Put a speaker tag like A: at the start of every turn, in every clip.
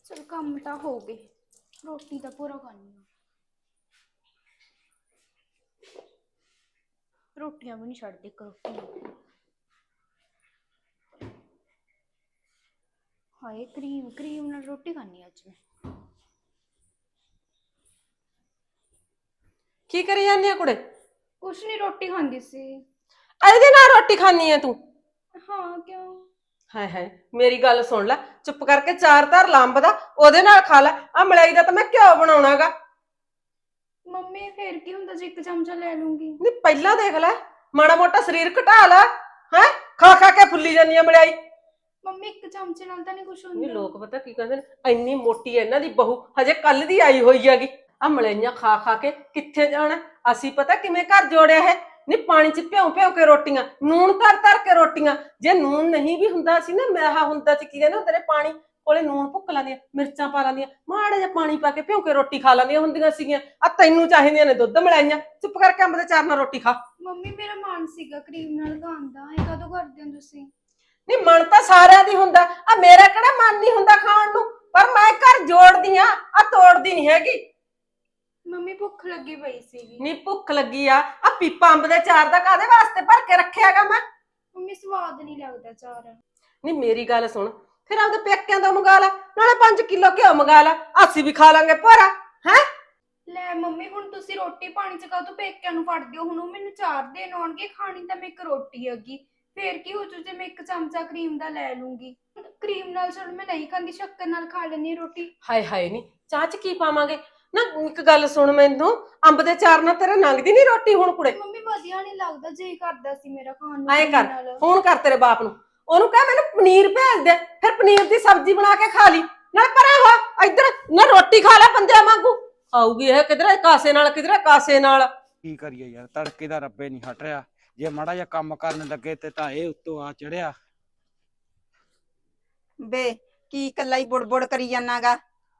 A: चल काम तो हो गए, रोटी तो पूरा खानी है। रोटियां भी नहीं छड़ती, एक रोटी हाय क्रीम क्रीम नाल रोटी खानी अज मैं।
B: की करी जानी है कुड़े?
A: कुछ नहीं, रोटी खांदी सी।
B: ਇਹਦੇ ਨਾਲ ਰੋਟੀ ਖਾਣੀ ਹੈ ਤੂੰ?
A: हाँ क्यों?
B: ਹਾਏ ਹਾਏ ਮੇਰੀ ਗੱਲ ਸੁਣ ਲੈ, ਚੁੱਪ ਕਰਕੇ ਚਾਰ ਧਰ ਲੰਬ ਦਾ ਉਹਦੇ ਨਾਲ ਖਾ ਲੈ। ਆ ਮਲਾਈ ਦਾ ਤਾਂ ਮੈਂ ਘਿਓ ਬਣਾਉਣਾਗਾ।
A: मम्मी फिर की हुंदा जे एक चमचा ले लूंगी।
B: ਨਹੀਂ ਪਹਿਲਾਂ ਦੇਖ ਲੈ, ਮਾੜਾ ਮੋਟਾ ਸਰੀਰ ਘਟਾ ਲੈ। ਹੈ ਖਾ ਖਾ ਕੇ ਫੁੱਲੀ ਜਾਂਦੀ ਹੈ ਮਲਾਈ।
A: मम्मी एक चमचे नाल तां नहीं कुछ
B: ਨਹੀਂ
A: हुंदा।
B: ਲੋਕ ਪਤਾ ਕੀ ਕਹਿੰਦੇ ਨੇ, ਇੰਨੀ ਮੋਟੀ ਹੈ ਇਹਨਾਂ ਦੀ ਬਹੂ, ਹਜੇ ਕੱਲ ਦੀ ਆਈ ਹੋਈ ਹੈਗੀ। ਆ ਮਲਾਈਆਂ ਖਾ ਖਾ ਕੇ ਕਿੱਥੇ ਜਾਣਾ? ਅਸੀਂ ਪਤਾ ਕਿਵੇਂ ਘਰ ਜੋੜਿਆ ਹੈ। ਨਹੀਂ ਪਾਣੀ ਚ ਭਿਉਂ ਭਿਉਂ ਕੇ ਰੋਟੀਆਂ, ਨੂਣ ਧਰ ਧਰ ਕੇ ਰੋਟੀਆਂ। ਜੇ ਨੂਣ ਨਹੀਂ ਵੀ ਹੁੰਦਾ ਸੀ ਨਾ, ਮੈਹਾ ਹੁੰਦਾ ਸੀ, ਕੀ ਕਹਿੰਦੇ ਹੁੰਦੇ ਨੇ, ਪਾਣੀ ਕੋਲੇ ਨੂਣ ਭੁੱਕ ਲਾਂਦੀਆਂ, ਮਿਰਚਾਂ ਪਾ ਲਾਂਦੀਆਂ, ਮਾੜਾ ਜਿਹਾ ਪਾਣੀ ਪਾ ਕੇ ਭਿਉਂ ਕੇ ਰੋਟੀ ਖਾ ਲਾਂਦੀਆਂ ਹੁੰਦੀਆਂ ਸੀਗੀਆਂ। ਆ ਤੈਨੂੰ ਚਾਹੀਦੀਆਂ ਨੇ ਦੁੱਧ ਮਲਾਈਆਂ। ਚੁੱਪ ਕਰਕੇ ਅੰਬ ਦੇ ਚਾਰ ਨਾਲ ਰੋਟੀ ਖਾ।
A: मम्मी मेरा मन सीगा क्रीम नाल खाण दा, ए कदों करदे हो तुसीं?
B: ਨਹੀਂ ਮਨ ਤਾਂ ਸਾਰਿਆਂ ਦੀ ਹੁੰਦਾ, ਆ ਮੇਰਾ ਕਿਹੜਾ ਮਨ ਨਹੀਂ ਹੁੰਦਾ ਖਾਣ ਨੂੰ, ਪਰ ਮੈਂ ਘਰ ਜੋੜਦੀ ਆ ਤੋੜਦੀ ਨਹੀਂ ਹੈਗੀ।
A: मम्मी भुख लगी पई सीगी।
B: ਨੀ ਭੁੱਖ ਲੱਗੀ ਆ ਪੀਪਾ ਅੰਬ ਦੇ ਚਾਰ ਦਾ ਕਾਦੇ ਵਾਸਤੇ ਭਰ ਕੇ ਰੱਖਿਆਗਾ ਮੈਂ?
A: मम्मी स्वाद नहीं लगदा चार।
B: ਨੀ ਮੇਰੀ ਗੱਲ ਸੁਣ, ਫਿਰ ਆਪਦੇ ਪੇਕਿਆਂ ਤੋਂ ਮੰਗਾ ਲੈ, ਨਾਲੇ 5 ਕਿਲੋ ਘਿਓ ਮੰਗਾ ਲੈ, ਅਸੀਂ ਵੀ ਖਾ ਲਾਂਗੇ ਭੋਰਾ। ਹੈ
A: ਲੈ ਮੰਮੀ ਹੁਣ ਤੁਸੀਂ ਰੋਟੀ ਪਾਣੀ ਚ ਕਾਹਤੋਂ ਪੇਕਿਆਂ ਨੂੰ ਫੜਦੇ ਹੋ? ਹੁਣ ਉਹ ਮੈਨੂੰ ਚਾਰ ਦੇਣ ਆਉਣਗੇ, ਖਾਣੀ ਤਾਂ ਮੈਂ ਇੱਕ ਰੋਟੀ ਹੈਗੀ। ਫੇਰ ਕੀ ਹੋ ਜੂ ਜੇ ਮੈਂ ਇੱਕ ਚਮਚਾ ਕਰੀਮ ਦਾ ਲੈ ਲੂੰਗੀ? ਕਰੀਮ ਨਾਲ ਚਲ ਮੈਂ ਨਹੀਂ ਖਾਂਦੀ, ਸ਼ੱਕਰ ਨਾਲ ਖਾ ਲੈਣੀ ਰੋਟੀ।
B: ਹਾਏ ਹਾਏ ਨੀ ਚਾਹ ਚ ਕੀ ਪਾਵਾਂਗੇ ਨਾ? ਇੱਕ ਗੱਲ ਸੁਣ, ਮੈਨੂੰ ਅੰਬ ਦੇ ਚਾਰ ਨਾਲ ਤੇਰੇ ਲੰਘਦੀ ਨਹੀਂ ਰੋਟੀ ਹੁਣ ਕੁੜੇ?
A: ਮੰਮੀ ਵਧੀਆ ਨਹੀਂ ਲੱਗਦਾ, ਜੀ ਕਰਦਾ ਸੀ ਮੇਰਾ ਖਾਣ ਨੂੰ
B: ਐਂ
A: ਕਰੀਮ
B: ਕਰ,
A: ਨਾਲ।
B: ਫੋਨ ਕਰ ਤੇਰੇ ਬਾਪ ਨੂੰ, ਉਹਨੂੰ ਕਹਿ ਮੈਨੂੰ ਪਨੀਰ ਭੇਜ ਦੇ, ਫਿਰ ਪਨੀਰ ਦੀ ਸਬਜ਼ੀ ਬਣਾ ਕੇ ਖਾ ਲਈ। ਨਾਲ ਪਰਾਂ ਹੋ ਇੱਧਰ ਨਾ, ਰੋਟੀ ਖਾ ਲੈ ਬੰਦਿਆਂ ਵਾਂਗੂ। ਆਊਗੀ ਇਹ ਕਿਧਰੇ ਕਾਸੇ ਨਾਲ, ਕਿਧਰੇ ਕਾਸੇ ਨਾਲ।
C: ਕੀ ਕਰੀਏ ਯਾਰ, ਤੜਕੇ ਦਾ ਰੱਬੇ ਨਹੀਂ ਹਟ ਰਿਹਾ। ਜੇ ਮਾੜਾ ਜਿਹਾ ਕੰਮ ਕਰਨ ਲੱਗੇ ਤੇ ਤਾਂ ਇਹ ਉੱਤੋਂ ਆ ਚੜਿਆ।
D: ਬੇ ਕੀ ਕੱਲਾ ਹੀ ਬੁੜਬੁੜ ਕਰੀ ਜਾਨਾਗਾ?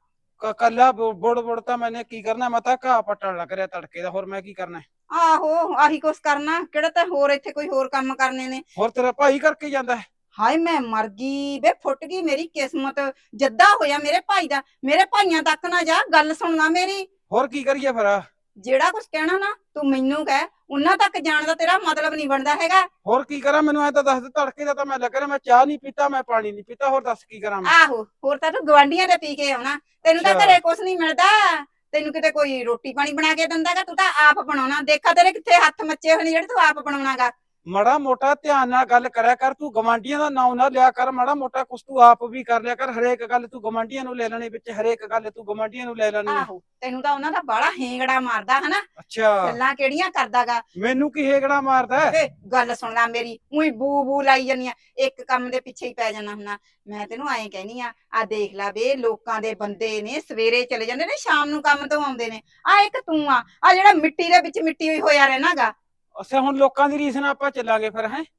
C: ਕੱਲਾ ਬੁੜ ਬੁੜ ਤਾਂ ਮੈਨੇ ਕੀ ਕਰਨਾ, ਮੈਂ ਤਾਂ ਘਾਹ ਪੱਟਣ ਲੱਗ ਰਿਹਾ ਤੜਕੇ ਦਾ, ਹੋਰ ਮੈਂ ਕੀ ਕਰਨਾ?
D: ਆਹੋ ਆਹੀ ਕੁਛ ਕਰਨਾ, ਕਿਹੜਾ ਤਾਂ ਹੋਰ ਇੱਥੇ ਕੋਈ ਹੋਰ ਕੰਮ ਕਰਨੇ ਨੇ?
C: ਹੋਰ ਤੇਰਾ ਭਾਈ ਕਰਕੇ ਜਾਂਦਾ ਹੈ?
D: ਹਾਏ ਮੈਂ ਮਰ ਗਈ ਬੇ, ਫੁੱਟ ਗਈ ਮੇਰੀ ਕਿਸਮਤ। ਜੱਦਾ ਹੋਇਆ ਮੇਰੇ ਭਾਈ ਦਾ, ਮੇਰੇ ਭਾਈਆਂ ਤੱਕ ਨਾ ਜਾ, ਗੱਲ ਸੁਣਨਾ ਮੇਰੀ।
C: ਹੋਰ ਕੀ ਕਰੀਏ ਫਿਰ?
D: ਜਿਹੜਾ ਕੁਛ ਕਹਿਣਾ ਨਾ ਤੂੰ ਮੈਨੂੰ ਕਹਿ, ਉਹਨਾਂ ਤੱਕ ਜਾਣ ਦਾ ਤੇਰਾ ਮਤਲਬ ਨਹੀਂ ਬਣਦਾ ਹੈਗਾ।
C: ਹੋਰ ਕੀ ਕਰਾਂ, ਮੈਨੂੰ ਐ ਤਾਂ ਦੱਸ ਦੇ। ਤੜਕੇ ਦਾ ਤਾਂ ਮੈਂ ਲੱਗ ਰਿਹਾ, ਮੈਂ ਚਾਹ ਨਹੀਂ ਪੀਤਾ, ਮੈਂ ਪਾਣੀ ਨਹੀਂ ਪੀਤਾ, ਹੋਰ ਦੱਸ ਕੀ ਕਰਾਂ ਮੈਂ?
D: ਆਹੋ ਹੋਰ ਤਾਂ ਤੂੰ ਗਵਾਂਢੀਆਂ ਦੇ ਪੀ ਕੇ ਆਉਣਾ, ਤੈਨੂੰ ਤਾਂ
C: ਅੱਛਾ।
D: ਘਰੇ ਕੁਛ ਨਹੀਂ ਮਿਲਦਾ। ਤੈਨੂੰ ਕਿਤੇ ਕੋਈ ਰੋਟੀ ਪਾਣੀ ਬਣਾ ਕੇ ਦਿੰਦਾਗਾ? ਤੂੰ ਤਾਂ ਆਪ ਬਣਾਉਣਾ। ਦੇਖਾ ਤੇਰੇ ਕਿੱਥੇ ਹੱਥ ਮੱਚੇ ਹੋਏ ਨੇ ਜਿਹੜੇ ਤੂੰ ਆਪ ਬਣਾਉਣਾਗਾ।
C: ਮਾੜਾ ਮੋਟਾ ਧਿਆਨ ਨਾਲ ਗੱਲ ਕਰਿਆ ਕਰ, ਤੂੰ ਗਵਾਂਢੀਆਂ ਦਾ ਨਾਂ ਨਾ ਲਿਆ ਕਰ। ਮਾੜਾ ਮੋਟਾ ਕੁਛ ਤੂੰ ਆਪ ਵੀ ਕਰ ਲਿਆ ਕਰ। ਹਰੇਕ ਗੱਲ ਤੂੰ ਗਵਾਂਢੀਆਂ ਨੂੰ ਲੈ ਲੈਣੀ ਵਿੱਚ, ਹਰੇਕ ਗੱਲ ਤੂੰ ਗਵਾਂਢੀਆਂ ਨੂੰ ਲੈ ਲੈਣੀ ਆ।
D: ਆਹੋ ਤੈਨੂੰ ਤਾਂ ਉਹਨਾਂ ਦਾ ਬਾਹਲਾ ਹੇਂਗੜਾ ਮਾਰਦਾ ਹਨਾ।
C: ਅੱਛਾ,
D: ਗੱਲਾਂ ਕਿਹੜੀਆਂ ਕਰਦਾਗਾ?
C: ਮੈਨੂੰ ਕੀ ਹੇਗੜਾ ਮਾਰਦਾ ਹੈ?
D: ਵੇ ਗੱਲ ਸੁਣ ਲੈ ਮੇਰੀ, ਉਹੀ ਬੂ ਬੂ ਲਾਈ ਜਾਨੀ ਆ, ਇੱਕ ਕੰਮ ਦੇ ਪਿੱਛੇ ਹੀ ਪੈ ਜਾਣਾ ਹੁੰਨਾ। ਮੈਂ ਤੈਨੂੰ ਐਂ ਕਹਿਨੀ ਆ ਦੇਖ ਲੈ ਵੇ, ਲੋਕਾਂ ਦੇ ਬੰਦੇ ਨੇ ਸਵੇਰੇ ਚਲੇ ਜਾਂਦੇ ਨੇ, ਸ਼ਾਮ ਨੂੰ ਕੰਮ ਤੋਂ ਆਉਂਦੇ ਨੇ। ਆ ਇੱਕ ਤੂੰ ਆ ਜਿਹੜਾ ਮਿੱਟੀ ਦੇ ਵਿੱਚ ਮਿੱਟੀ ਹੋਈ ਹੋਇਆ ਰਹਿਣਾਗਾ।
C: ਅੱਛਾ, ਹੁਣ ਲੋਕਾਂ ਦੀ ਰੀਸ ਨਾਲ ਆਪਾਂ ਚੱਲਾਂਗੇ ਫਿਰ? ਹੈ